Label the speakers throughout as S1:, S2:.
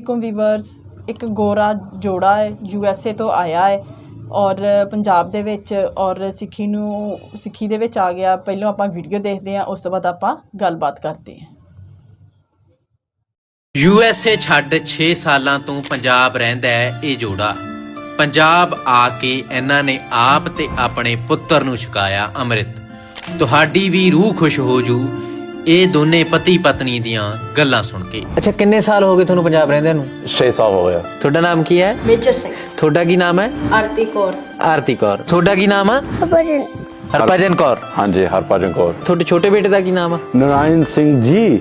S1: वालेकुम ਵੀਵਰਸ। ਇੱਕ ਗੋਰਾ ਜੋੜਾ ਹੈ USA ਤੋਂ ਆਇਆ ਹੈ ਔਰ ਪੰਜਾਬ ਦੇ ਵਿੱਚ ਔਰ ਸਿੱਖੀ ਦੇ ਵਿੱਚ ਆ ਗਿਆ। ਪਹਿਲਾਂ ਆਪਾਂ ਵੀਡੀਓ ਦੇਖਦੇ ਹਾਂ, ਉਸ ਤੋਂ ਬਾਅਦ ਆਪਾਂ ਗੱਲਬਾਤ ਕਰਦੇ ਹਾਂ।
S2: USA ਛੱਡ 6 ਸਾਲਾਂ ਤੋਂ ਪੰਜਾਬ ਰਹਿੰਦਾ ਹੈ ਇਹ ਜੋੜਾ। ਪੰਜਾਬ ਆ ਕੇ ਇਹਨਾਂ ਨੇ ਆਪ ਤੇ ਆਪਣੇ ਪੁੱਤਰ ਨੂੰ ਛਕਾਇਆ ਅੰਮ੍ਰਿਤ। ਤੁਹਾਡੀ ਵੀ ਰੂਹ ਖੁਸ਼ ਹੋ ਜੂ ਇਹ ਦੋਨੇ ਪਤੀ ਪਤਨੀ ਦੀਆਂ ਗੱਲਾਂ ਸੁਣ ਕੇ। ਅੱਛਾ, ਕਿੰਨੇ ਸਾਲ ਹੋ ਗਏ ਤੁਹਾਨੂੰ ਪੰਜਾਬ ਰਹਿੰਦਿਆਂ ਨੂੰ?
S3: 6 ਸਾਲ ਹੋ ਗਿਆ।
S2: ਤੁਹਾਡਾ ਨਾਮ ਕੀ ਹੈ?
S1: ਮੇਜਰ ਸਿੰਘ।
S2: ਤੁਹਾਡਾ ਕੀ ਨਾਮ ਹੈ?
S1: ਆਰਤੀ ਕੌਰ।
S2: ਆਰਤੀ ਕੌਰ। ਤੁਹਾਡਾ ਕੀ ਨਾਮ ਹੈ? ਹਰਭਜਨ ਕੌਰ।
S3: ਹਾਂਜੀ, ਹਰਭਜਨ ਕੌਰ।
S2: ਤੁਹਾਡੇ ਛੋਟੇ ਬੇਟੇ ਦਾ ਕੀ ਨਾਮ ਹੈ?
S3: ਨਾਰਾਇਣ ਸਿੰਘ ਜੀ।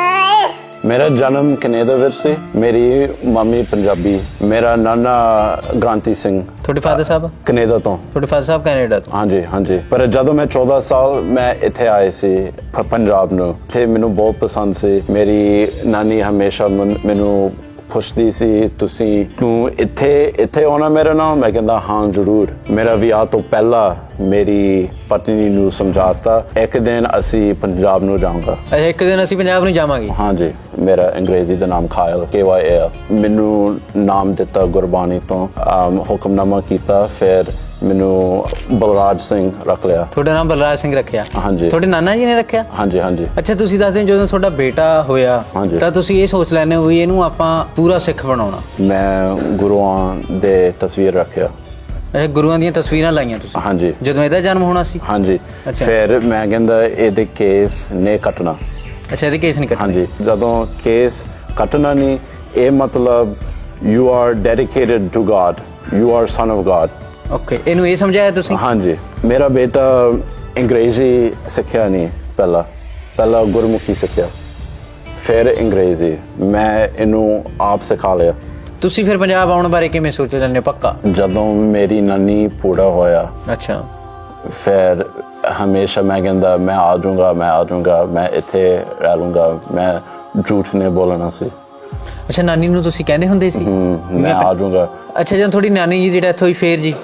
S3: ਮੇਰਾ ਜਨਮ ਕੈਨੇਡਾ ਵਿੱਚ ਸੀ। ਮੇਰੀ ਮੰਮੀ ਪੰਜਾਬੀ। ਮੇਰਾ ਨਾਨਾ ਗ੍ਰਾਂਤੀ ਸਿੰਘ।
S2: ਤੁਹਾਡੇ ਫਾਦਰ ਸਾਹਿਬ?
S3: ਕੈਨੇਡਾ ਤੋਂ।
S2: ਤੁਹਾਡੇ ਫਾਦਰ ਸਾਹਿਬ ਕੈਨੇਡਾ ਤੋਂ?
S3: ਹਾਂਜੀ ਹਾਂਜੀ। ਪਰ ਜਦੋਂ ਮੈਂ 14 ਸਾਲ ਮੈਂ ਇੱਥੇ ਆਏ ਸੀ ਪੰਜਾਬ ਨੂੰ, ਤੇ ਮੈਨੂੰ ਬਹੁਤ ਪਸੰਦ ਸੀ। ਮੇਰੀ ਨਾਨੀ ਹਮੇਸ਼ਾ ਮੈਨੂੰ ਪੁੱਛਦੀ ਸੀ ਤੂੰ ਇੱਥੇ ਆਉਣਾ ਮੇਰੇ ਨਾਲ? ਮੈਂ ਕਹਿੰਦਾ ਹਾਂ ਜ਼ਰੂਰ। ਮੇਰਾ ਵਿਆਹ ਤੋਂ ਪਹਿਲਾਂ ਮੇਰੀ ਪਤਨੀ ਨੂੰ ਸਮਝਾਤਾ ਇੱਕ ਦਿਨ ਅਸੀਂ ਪੰਜਾਬ ਨੂੰ ਜਾਵਾਂਗਾ।
S2: ਅੱਛਾ, ਇੱਕ ਦਿਨ ਅਸੀਂ ਪੰਜਾਬ ਨੂੰ ਜਾਵਾਂਗੇ।
S3: ਹਾਂਜੀ। ਮੇਰਾ ਅੰਗਰੇਜ਼ੀ ਦਾ ਨਾਮ ਖਾਇਲ KYL। ਮੈਨੂੰ ਨਾਮ ਦਿੱਤਾ ਗੁਰਬਾਣੀ ਤੋਂ, ਹੁਕਮਨਾਮਾ ਕੀਤਾ, ਫਿਰ ਮੈਨੂੰ ਬਲਰਾਜ ਸਿੰਘ ਰੱਖ ਲਿਆ।
S2: ਤੁਹਾਡਾ ਨਾਮ ਬਲਰਾਜ ਸਿੰਘ ਰੱਖਿਆ?
S3: ਹਾਂਜੀ।
S2: ਤੁਹਾਡੇ ਨਾਨਾ ਜੀ ਨੇ ਰੱਖਿਆ?
S3: ਹਾਂਜੀ ਹਾਂਜੀ।
S2: ਅੱਛਾ, ਤੁਸੀਂ ਦੱਸਦੇ ਹੋ ਜਦੋਂ ਤੁਹਾਡਾ ਬੇਟਾ ਹੋਇਆ ਤਾਂ ਤੁਸੀਂ ਇਹ ਸੋਚ ਲੈਂਦੇ ਹੋ ਵੀ ਇਹਨੂੰ ਆਪਾਂ ਪੂਰਾ ਸਿੱਖ ਬਣਾਉਣਾ।
S3: ਮੈਂ ਗੁਰੂਆਂ ਦੇ ਤਸਵੀਰ ਰੱਖਿਆ।
S2: ਇਹ ਗੁਰੂਆਂ ਦੀਆਂ ਤਸਵੀਰਾਂ ਲਾਈਆਂ ਤੁਸੀਂ?
S3: ਹਾਂਜੀ।
S2: ਜਦੋਂ ਇਹਦਾ ਜਨਮ ਹੋਣਾ ਸੀ?
S3: ਹਾਂਜੀ।
S2: ਅੱਛਾ।
S3: ਫਿਰ ਮੈਂ ਕਹਿੰਦਾ ਇਹਦੇ ਕੇਸ ਨੇ ਕੱਟਣਾ।
S2: ਅੱਛਾ, ਇਹਦੇ ਕੇਸ ਨਹੀਂ ਕੱਟਣੇ?
S3: ਹਾਂਜੀ। ਜਦੋਂ ਕੇਸ ਕੱਟਣਾ ਨਹੀਂ, ਇਹ ਮਤਲਬ you are dedicated to God, you are son of God. Okay,
S2: ਇਹਨੂੰ ਇਹ ਸਮਝਾਇਆ ਤੁਸੀਂ?
S3: ਹਾਂਜੀ। ਮੇਰਾ ਬੇਟਾ ਅੰਗਰੇਜ਼ੀ ਸਿੱਖਿਆ ਨਹੀਂ, ਪਹਿਲਾਂ ਗੁਰਮੁਖੀ ਸਿੱਖਿਆ, ਫਿਰ ਅੰਗਰੇਜ਼ੀ। ਮੈਂ ਇਹਨੂੰ ਆਪ ਸਿਖਾ ਲਿਆ।
S2: ਤੁਸੀਂ ਫਿਰ ਪੰਜਾਬ ਆਉਣ ਬਾਰੇ ਕਿਵੇਂ ਸੋਚ ਲੈਂਦੇ ਹੋ ਪੱਕਾ?
S3: ਜਦੋਂ ਮੇਰੀ ਨਾਨੀ ਪੂਰਾ ਹੋਇਆ,
S2: ਅੱਛਾ,
S3: ਫਿਰ ਹਮੇਸ਼ਾ ਮੈਂ ਕਹਿੰਦਾ ਮੈਂ ਆ ਜਾਊਂਗਾ, ਮੈਂ ਇੱਥੇ ਰਹਿ ਲੂੰਗਾ, ਮੈਂ ਝੂਠ ਨਹੀਂ ਬੋਲਣਾ ਸੀ।
S2: ਅੱਛਾ, ਨਾਨੀ ਨੂੰ ਤੁਸੀਂ ਕਹਿੰਦੇ ਹੁੰਦੇ ਸੀ
S3: ਮੈਂ ਆ ਜਾਊਂਗਾ?
S2: ਅੱਛਾ, ਜਦੋਂ ਤੁਹਾਡੀ ਨਾਨੀ ਜੀ ਦੀ ਡੈਥ ਹੋਈ ਫੇਰ ਜੀ?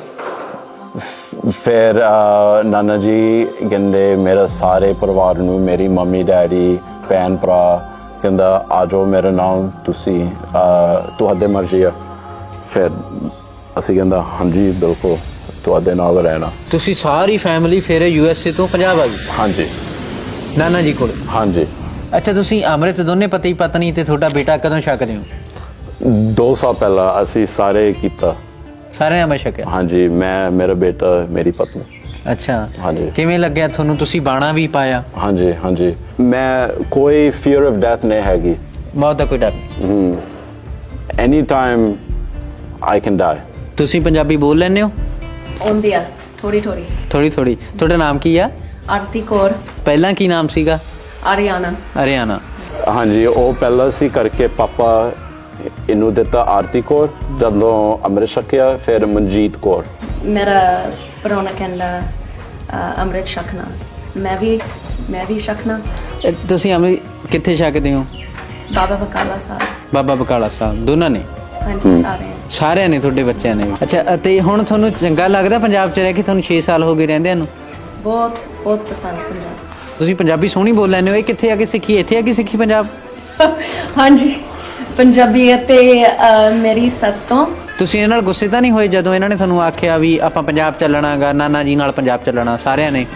S3: ਫਿਰ ਨਾਨਾ ਜੀ ਕਹਿੰਦੇ ਮੇਰੇ ਸਾਰੇ ਪਰਿਵਾਰ ਨੂੰ, ਮੇਰੀ ਮੰਮੀ ਡੈਡੀ ਭੈਣ ਭਰਾ, ਕਹਿੰਦਾ ਆ ਜਾਓ ਮੇਰੇ ਨਾਲ, ਤੁਸੀਂ ਤੁਹਾਡੇ ਮਰਜ਼ੀ ਆ। ਫਿਰ ਅਸੀਂ ਕਹਿੰਦਾ ਹਾਂਜੀ ਬਿਲਕੁਲ ਤੁਹਾਡੇ ਨਾਲ ਰਹਿਣਾ।
S2: ਤੁਸੀਂ ਸਾਰੀ ਫੈਮਿਲੀ ਫਿਰ USA ਤੋਂ ਪੰਜਾਬ ਆ ਗਈ?
S3: ਹਾਂਜੀ।
S2: ਨਾਨਾ ਜੀ ਕੋਲ?
S3: ਹਾਂਜੀ।
S2: ਅੱਛਾ, ਤੁਸੀਂ ਅੰਮ੍ਰਿਤ ਦੋਨੇ ਪਤੀ ਪਤਨੀ ਤੇ ਤੁਹਾਡਾ ਬੇਟਾ ਕਦੋਂ ਛਕਦੇ ਹੋ?
S3: 2 ਸਾਲ ਪਹਿਲਾਂ ਅਸੀਂ ਸਾਰੇ ਕੀਤਾ।
S2: ਸਾਰਿਆਂ ਨੇ ਛਕਿਆ?
S3: ਹਾਂਜੀ, ਮੈਂ, ਮੇਰਾ ਬੇਟਾ, ਮੇਰੀ ਪਤਨੀ।
S2: ਅੱਛਾ।
S3: ਹਾਂਜੀ।
S2: ਕਿਵੇਂ ਲੱਗਿਆ ਤੁਹਾਨੂੰ? ਤੁਸੀਂ ਬਾਣਾ ਵੀ ਪਾਇਆ?
S3: ਹਾਂਜੀ ਹਾਂਜੀ। ਮੈਂ ਕੋਈ ਫੀਅਰ ਆਫ ਡੈਥ ਨਹੀਂ ਹੈਗੀ।
S2: ਮੌਤ ਦਾ ਕੋਈ ਡਰ ਨਹੀਂ?
S3: Any time I can die.
S2: ਤੁਸੀਂ ਪੰਜਾਬੀ ਬੋਲ ਲੈਂਦੇ ਹੋ?
S1: ਆਉਂਦੀ ਆ ਥੋੜੀ
S2: ਥੋੜੀ। ਤੁਹਾਡਾ ਨਾਮ ਕੀ ਆ?
S1: ਆਰਤੀ ਕੌਰ।
S2: ਪਹਿਲਾਂ ਕੀ ਨਾਮ ਸੀਗਾ?
S1: ਆਰਿਆਨਾ।
S3: ਹਾਂਜੀ, ਉਹ ਪਹਿਲਾਂ ਸੀ ਕਰਕੇ ਪਾਪਾ ਇਹਨੂੰ ਦਿੱਤਾ ਆਰਤੀ ਕੌਰ। ਜਦੋਂ ਅੰਮ੍ਰਿਤ ਛਕਿਆ ਫਿਰ ਮਨਜੀਤ ਕੌਰ।
S4: ਮੇਰਾ ਪ੍ਰਾਹੁਣਾ ਕਹਿੰਦਾ ਅੰਮ੍ਰਿਤ ਛਕਣਾ, ਮੈਂ ਵੀ ਛਕਣਾ।
S2: ਤੁਸੀਂ ਅੰਮ੍ਰਿਤ ਕਿੱਥੇ ਛਕਦੇ ਹੋ?
S4: ਬਾਬਾ ਬਕਾਲਾ ਸਾਹਿਬ।
S2: ਬਾਬਾ ਬਕਾਲਾ ਸਾਹਿਬ ਦੋਨਾਂ ਨੇ?
S4: ਹਾਂਜੀ,
S2: ਸਾਰਿਆਂ ਨੇ ਤੁਹਾਡੇ ਬੱਚਿਆਂ ਨੇ? ਅੱਛਾ, ਅਤੇ ਹੁਣ ਤੁਹਾਨੂੰ ਚੰਗਾ ਲੱਗਦਾ ਪੰਜਾਬ 'ਚ ਰਹਿ ਕੇ? ਤੁਹਾਨੂੰ 6 ਸਾਲ ਹੋ ਗਏ ਰਹਿੰਦਿਆਂ ਨੂੰ?
S4: ਬਹੁਤ ਪਸੰਦ ਪੰਜਾਬ।
S2: ਤੁਸੀਂ ਪੰਜਾਬੀ ਸੋਹਣੀ ਬੋਲ ਲੈਂਦੇ ਹੋ। ਇਹ ਕਿੱਥੇ ਆ ਕੇ ਸਿੱਖੀ? ਇੱਥੇ ਆ ਕੇ ਸਿੱਖੀ ਪੰਜਾਬ?
S4: ਹਾਂਜੀ, ਪੰਜਾਬੀ ਅਤੇ ਮੇਰੀ ਸੱਸ ਤੋਂ।
S2: ਤੁਸੀਂ ਇਹਨਾਂ ਨਾਲ ਗੁੱਸੇ ਤਾਂ ਨਹੀਂ ਹੋਏ ਜਦੋਂ ਇਹਨਾਂ ਨੇ ਤੁਹਾਨੂੰ ਆਖਿਆ ਵੀ ਆਪਾਂ ਪੰਜਾਬ ਚੱਲਣਾ ਗਾ, ਨਾਨਾ ਜੀ ਨਾਲ ਪੰਜਾਬ ਚੱਲਣਾ ਸਾਰਿਆਂ ਨੇ?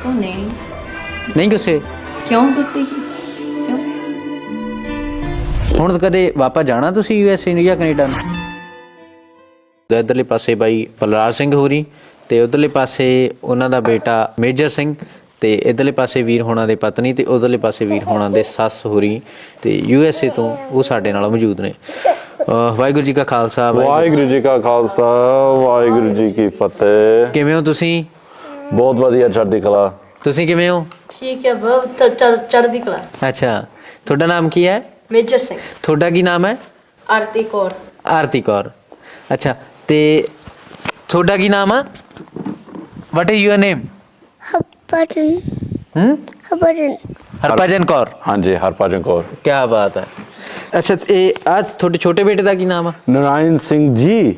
S2: ਨਹੀਂ ਗੁੱਸੇ?
S4: ਕਿਉਂ ਗੁੱਸੇ? ਕਿਉਂ?
S2: ਹੁਣ ਕਦੇ ਵਾਪਸ ਜਾਣਾ ਤੁਸੀਂ USA ਨੂੰ ਜਾਂ ਕੈਨੇਡਾ ਨੂੰ? ਇੱਧਰਲੇ ਪਾਸੇ ਬਾਈ ਬਲਰਾਜ ਸਿੰਘ ਹੋਰੀ ਤੇ ਉਧਰਲੇ ਪਾਸੇ ਉਹਨਾਂ ਦਾ ਬੇਟਾ ਮੇਜਰ ਸਿੰਘ ਤੇ ਇਧਰਲੇ ਪਾਸੇ ਵੀਰ ਹੋਣਾ ਦੇ ਪਤਨੀ ਤੇ ਉਧਰਲੇ ਪਾਸੇ ਵੀਰ ਹੋਣਾ ਦੇ ਸੱਸ ਹੋਰੀ ਤੇ USA ਤੋਂ ਉਹ ਸਾਡੇ ਨਾਲ ਮੌਜੂਦ ਨੇ। ਵਾਹਿਗੁਰੂ ਜੀ ਕਾ ਖਾਲਸਾ।
S3: ਵਾਹਿਗੁਰੂ ਜੀ ਕਾ ਖਾਲਸਾ, ਵਾਹਿਗੁਰੂ ਜੀ ਕੀ ਫਤਿਹ।
S2: ਕਿਵੇਂ ਹੋ ਤੁਸੀਂ?
S3: ਬਹੁਤ ਵਧੀਆ, ਚੜ੍ਹਦੀ ਕਲਾ।
S2: ਤੁਸੀਂ ਕਿਵੇਂ ਹੋ?
S4: ਠੀਕ ਹੈ, ਬਹੁਤ ਚੜ੍ਹਦੀ ਕਲਾ।
S2: ਅੱਛਾ, ਤੁਹਾਡਾ ਨਾਮ ਕੀ ਹੈ?
S4: ਮੇਜਰ ਸਿੰਘ।
S2: ਤੁਹਾਡਾ ਕੀ ਨਾਮ ਹੈ?
S4: ਆਰਤੀ ਕੌਰ।
S2: ਆਰਤੀ ਕੌਰ। ਅੱਛਾ, ਤੇ ਤੁਹਾਡਾ ਕੀ ਨਾਮ ਆ? What is your name? Harbhajan Kaur.
S3: ਹਾਂਜੀ, ਹਰਭਜਨ ਕੌਰ।
S2: ਕੀ ਬਾਤ ਹੈ। ਅੱਛਾ, ਇਹ ਆ ਤੁਹਾਡੇ ਛੋਟੇ ਬੇਟੇ ਦਾ ਕੀ ਨਾਮ ਆ?
S3: ਨਾਰਾਇਣ ਸਿੰਘ ਜੀ।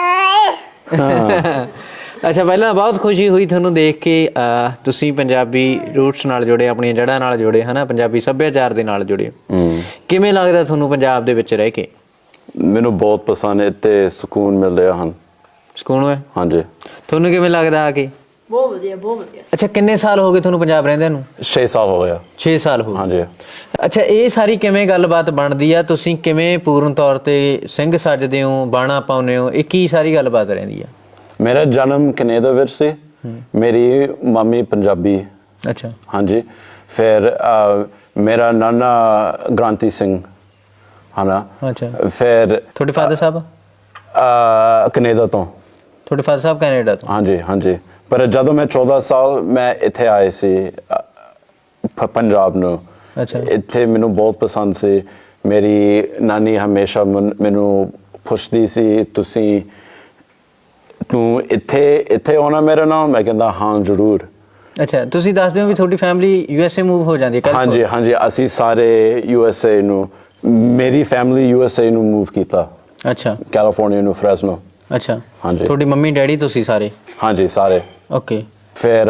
S2: ਅੱਛਾ, ਪਹਿਲਾਂ ਬਹੁਤ ਖੁਸ਼ੀ ਹੋਈ ਤੁਹਾਨੂੰ ਦੇਖ ਕੇ। ਤੁਸੀਂ ਪੰਜਾਬੀ ਰੂਟਸ ਨਾਲ ਜੁੜੇ, ਆਪਣੀਆਂ ਜੜ੍ਹਾਂ ਨਾਲ ਜੁੜੇ, ਹਨਾ, ਪੰਜਾਬੀ ਸੱਭਿਆਚਾਰ ਦੇ ਨਾਲ ਜੁੜੇ। ਕਿਵੇਂ ਲੱਗਦਾ ਤੁਹਾਨੂੰ ਪੰਜਾਬ ਦੇ ਵਿੱਚ ਰਹਿ ਕੇ?
S3: ਮੈਨੂੰ ਬਹੁਤ ਪਸੰਦ ਹੈ ਤੇ ਸਕੂਨ ਮਿਲ ਰਿਹਾ ਹਨ।
S2: ਸਕੂਨ ਹੋਇਆ?
S3: ਹਾਂਜੀ।
S2: ਤੁਹਾਨੂੰ ਕਿਵੇਂ ਲੱਗਦਾ ਆ ਕੇ?
S4: ਬਹੁਤ ਵਧੀਆ, ਬਹੁਤ ਵਧੀਆ।
S2: ਅੱਛਾ, ਕਿੰਨੇ ਸਾਲ ਹੋ ਗਏ ਤੁਹਾਨੂੰ ਪੰਜਾਬ ਰਹਿੰਦਿਆਂ ਨੂੰ?
S3: 6 ਸਾਲ ਹੋ ਗਿਆ।
S2: 6 ਸਾਲ ਹੋ ਗਏ।
S3: ਹਾਂਜੀ।
S2: ਅੱਛਾ, ਇਹ ਸਾਰੀ ਕਿਵੇਂ ਗੱਲਬਾਤ ਬਣਦੀ ਆ? ਤੁਸੀਂ ਕਿਵੇਂ ਪੂਰਨ ਤੌਰ ਤੇ ਸਿੰਘ ਸੱਜਦੇ ਹੋ, ਬਾਣਾ ਪਾਉਂਦੇ ਹੋ? ਇਹ ਕੀ ਸਾਰੀ ਗੱਲਬਾਤ ਰਹਿੰਦੀ ਆ?
S3: ਮੇਰਾ ਜਨਮ ਕੈਨੇਡਾ ਵਿੱਚ ਸੀ। ਮੇਰੀ ਮੰਮੀ ਪੰਜਾਬੀ।
S2: ਅੱਛਾ।
S3: ਹਾਂਜੀ। ਫਿਰ ਮੇਰਾ ਨਾਨਾ ਗ੍ਰਾਂਤੀ ਸਿੰਘ ਹਨਾ।
S2: ਅੱਛਾ।
S3: ਫਿਰ
S2: ਤੁਹਾਡੇ ਫਾਦਰ ਸਾਹਿਬ?
S3: ਕੈਨੇਡਾ ਤੋਂ।
S2: ਤੁਹਾਡੇ ਫਾਦਰ ਸਾਹਿਬ ਕੈਨੇਡਾ ਤੋਂ?
S3: ਹਾਂਜੀ ਹਾਂਜੀ। ਪਰ ਜਦੋਂ ਮੈਂ 14 ਸਾਲ ਮੈਂ ਇੱਥੇ ਆਏ ਸੀ ਪੰਜਾਬ ਨੂੰ।
S2: ਅੱਛਾ।
S3: ਇੱਥੇ ਮੈਨੂੰ ਬਹੁਤ ਪਸੰਦ ਸੀ। ਮੇਰੀ ਨਾਨੀ ਹਮੇਸ਼ਾ ਮੈਨੂੰ ਪੁੱਛਦੀ ਸੀ ਤੂੰ ਇੱਥੇ ਆਉਣਾ ਮੇਰੇ ਨਾਲ? ਮੈਂ ਕਹਿੰਦਾ ਹਾਂ ਜ਼ਰੂਰ।
S2: ਅੱਛਾ, ਤੁਸੀਂ ਦੱਸ ਦਿਓ ਵੀ ਤੁਹਾਡੀ ਫੈਮਿਲੀ USA ਮੂਵ ਹੋ ਜਾਂਦੀ ਹੈ?
S3: ਹਾਂਜੀ ਹਾਂਜੀ। ਅਸੀਂ ਸਾਰੇ USA ਨੂੰ, ਮੇਰੀ ਫੈਮਿਲੀ USA ਨੂੰ ਮੂਵ ਕੀਤਾ।
S2: ਅੱਛਾ।
S3: ਕੈਲੀਫੋਰਨੀਆ ਨੂੰ, ਫ੍ਰੈਸਨੋ।
S2: ਅੱਛਾ।
S3: ਹਾਂਜੀ।
S2: ਤੁਹਾਡੀ ਮੰਮੀ ਡੈਡੀ ਤੁਸੀਂ ਸਾਰੇ?
S3: ਹਾਂਜੀ ਸਾਰੇ।
S2: ਓਕੇ।
S3: ਫਿਰ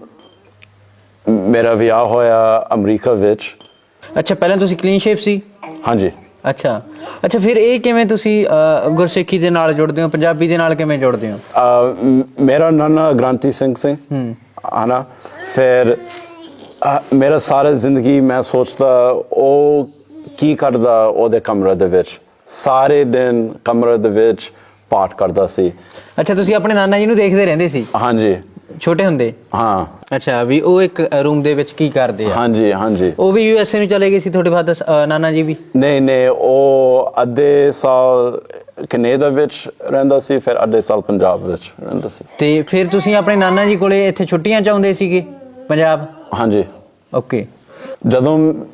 S3: ਮੇਰਾ ਵਿਆਹ ਹੋਇਆ ਅਮਰੀਕਾ ਵਿੱਚ।
S2: ਅੱਛਾ, ਪਹਿਲਾਂ ਤੁਸੀਂ ਕਲੀਨ ਸ਼ੇਪ ਸੀ?
S3: ਹਾਂਜੀ।
S2: ਅੱਛਾ ਅੱਛਾ। ਫਿਰ ਇਹ ਕਿਵੇਂ ਤੁਸੀਂ ਗੁਰਸਿੱਖੀ ਦੇ ਨਾਲ ਜੁੜਦੇ ਹੋ, ਪੰਜਾਬੀ ਦੇ ਨਾਲ ਕਿਵੇਂ ਜੁੜਦੇ ਹੋ?
S3: ਮੇਰਾ ਨਾਨਾ ਗ੍ਰਾਂਤੀ ਸਿੰਘ ਸੀ ਹਨਾ। ਫਿਰ ਮੇਰਾ ਸਾਰਾ ਜ਼ਿੰਦਗੀ ਮੈਂ ਸੋਚਦਾ ਉਹ ਕੀ ਕਰਦਾ ਉਹਦੇ ਕਮਰੇ ਦੇ ਵਿੱਚ। ਸਾਰੇ ਦਿਨ ਕਮਰੇ ਦੇ ਵਿੱਚ ਪਾਠ ਕਰਦਾ ਸੀ।
S2: ਅੱਛਾ, ਤੁਸੀਂ ਆਪਣੇ ਨਾਨਾ ਜੀ ਨੂੰ ਦੇਖਦੇ ਰਹਿੰਦੇ ਸੀ?
S3: ਹਾਂਜੀ।
S2: ਛੋਟੇ ਹੁੰਦੇ?
S3: ਹਾਂ।
S2: ਅੱਛਾ, ਵੀ ਉਹ ਇੱਕ ਰੂਮ ਦੇ ਵਿੱਚ ਕੀ ਕਰਦੇ ਆ?
S3: ਹਾਂਜੀ ਹਾਂਜੀ।
S2: ਉਹ ਵੀ USA ਨੂੰ ਚਲੇ ਗਏ ਸੀ ਤੁਹਾਡੇ ਫਾਦਰ ਨਾਨਾ ਜੀ ਵੀ?
S3: ਨਹੀਂ, ਉਹ ਅੱਧੇ ਸਾਲ ਕੈਨੇਡਾ ਵਿੱਚ ਰਹਿੰਦਾ ਸੀ, ਫਿਰ ਅੱਧੇ ਸਾਲ ਪੰਜਾਬ ਵਿੱਚ ਰਹਿੰਦਾ ਸੀ।
S2: ਤੇ ਫਿਰ ਤੁਸੀਂ ਆਪਣੇ ਨਾਨਾ ਜੀ ਕੋਲੇ ਇੱਥੇ ਛੁੱਟੀਆਂ 'ਚ ਆਉਂਦੇ ਸੀਗੇ ਪੰਜਾਬ?
S3: ਹਾਂਜੀ।
S2: ਓਕੇ।
S3: ਜਦੋਂ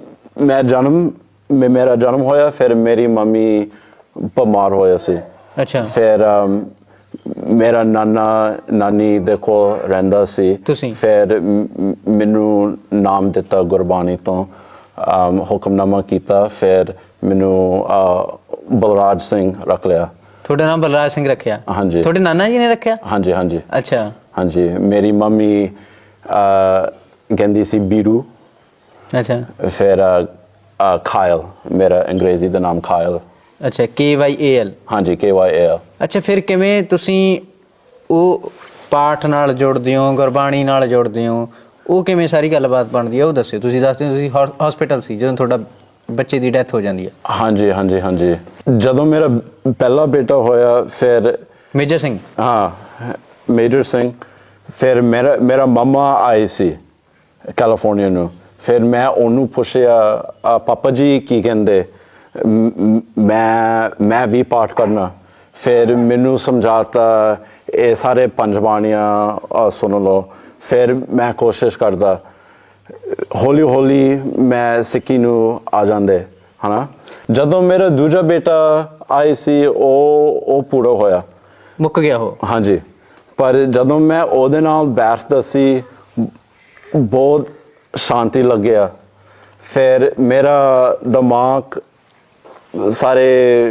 S3: ਮੇਰਾ ਜਨਮ ਹੋਇਆ ਫਿਰ ਮੇਰੀ ਮੰਮੀ ਬਿਮਾਰ ਹੋਇਆ ਸੀ।
S2: ਅੱਛਾ।
S3: ਫਿਰ ਮੇਰਾ ਨਾਨੀ ਦੇ ਕੋਲ ਰਹਿੰਦਾ ਸੀ।
S2: ਤੁਸੀਂ?
S3: ਫਿਰ ਮੈਨੂੰ ਨਾਮ ਦਿੱਤਾ ਗੁਰਬਾਣੀ ਤੋਂ, ਹੁਕਮਨਾਮਾ ਕੀਤਾ। ਫਿਰ ਮੈਨੂੰ ਬਲਰਾਜ ਸਿੰਘ ਰੱਖ ਲਿਆ।
S2: ਤੁਹਾਡਾ ਨਾਮ ਬਲਰਾਜ ਸਿੰਘ ਰੱਖਿਆ?
S3: ਹਾਂਜੀ।
S2: ਤੁਹਾਡੇ ਨਾਨਾ ਜੀ ਨੇ ਰੱਖਿਆ?
S3: ਹਾਂਜੀ ਹਾਂਜੀ।
S2: ਅੱਛਾ।
S3: ਹਾਂਜੀ। ਮੇਰੀ ਮੰਮੀ ਕਹਿੰਦੀ ਸੀ ਬੀਰੂ।
S2: ਅੱਛਾ।
S3: ਫਿਰ ਖਾਇਲ, ਮੇਰਾ ਅੰਗਰੇਜ਼ੀ ਦਾ ਨਾਮ ਖਾਇਲ।
S2: ਅੱਛਾ, KYAL?
S3: ਹਾਂਜੀ, KYAL।
S2: ਅੱਛਾ, ਫਿਰ ਕਿਵੇਂ ਤੁਸੀਂ ਉਹ ਪਾਠ ਨਾਲ ਜੁੜਦੇ ਹੋ, ਗੁਰਬਾਣੀ ਨਾਲ ਜੁੜਦੇ ਹੋ? ਉਹ ਕਿਵੇਂ ਸਾਰੀ ਗੱਲਬਾਤ ਬਣਦੀ ਹੈ ਉਹ ਦੱਸਿਓ। ਤੁਸੀਂ ਦੱਸਦੇ ਹੋ ਤੁਸੀਂ ਹਸਪੀਟਲ ਸੀ ਜਦੋਂ ਤੁਹਾਡਾ ਬੱਚੇ ਦੀ ਡੈਥ ਹੋ ਜਾਂਦੀ ਹੈ?
S3: ਹਾਂਜੀ ਹਾਂਜੀ ਹਾਂਜੀ। ਜਦੋਂ ਮੇਰਾ ਪਹਿਲਾ ਬੇਟਾ ਹੋਇਆ ਫਿਰ
S2: ਮੇਜਰ ਸਿੰਘ?
S3: ਹਾਂ, ਮੇਜਰ ਸਿੰਘ। ਫਿਰ ਮੇਰਾ ਮਾਮਾ ਆਏ ਸੀ ਕੈਲੀਫੋਰਨੀਆ ਨੂੰ। ਫਿਰ ਮੈਂ ਉਹਨੂੰ ਪੁੱਛਿਆ ਪਾਪਾ ਜੀ ਕੀ ਕਹਿੰਦੇ, ਮੈਂ ਵੀ ਪਾਠ ਕਰਨਾ? ਫਿਰ ਮੈਨੂੰ ਸਮਝਾਤਾ ਇਹ ਸਾਰੇ 5 ਬਾਣੀਆਂ ਸੁਣ ਲਓ। ਫਿਰ ਮੈਂ ਕੋਸ਼ਿਸ਼ ਕਰਦਾ, ਹੌਲੀ ਹੌਲੀ ਮੈਂ ਸਿੱਖੀ ਨੂੰ ਆ ਜਾਂਦੇ ਹਨਾ। ਜਦੋਂ ਮੇਰਾ ਦੂਜਾ ਬੇਟਾ ਆਏ ਸੀ ਉਹ ਪੂਰਾ ਹੋਇਆ,
S2: ਮੁੱਕ ਗਿਆ ਉਹ?
S3: ਹਾਂਜੀ। ਪਰ ਜਦੋਂ ਮੈਂ ਉਹਦੇ ਨਾਲ ਬੈਠਦਾ ਸੀ ਬਹੁਤ ਸ਼ਾਂਤੀ ਲੱਗਿਆ। ਫਿਰ ਮੇਰਾ ਦਿਮਾਗ ਸਾਰੇ,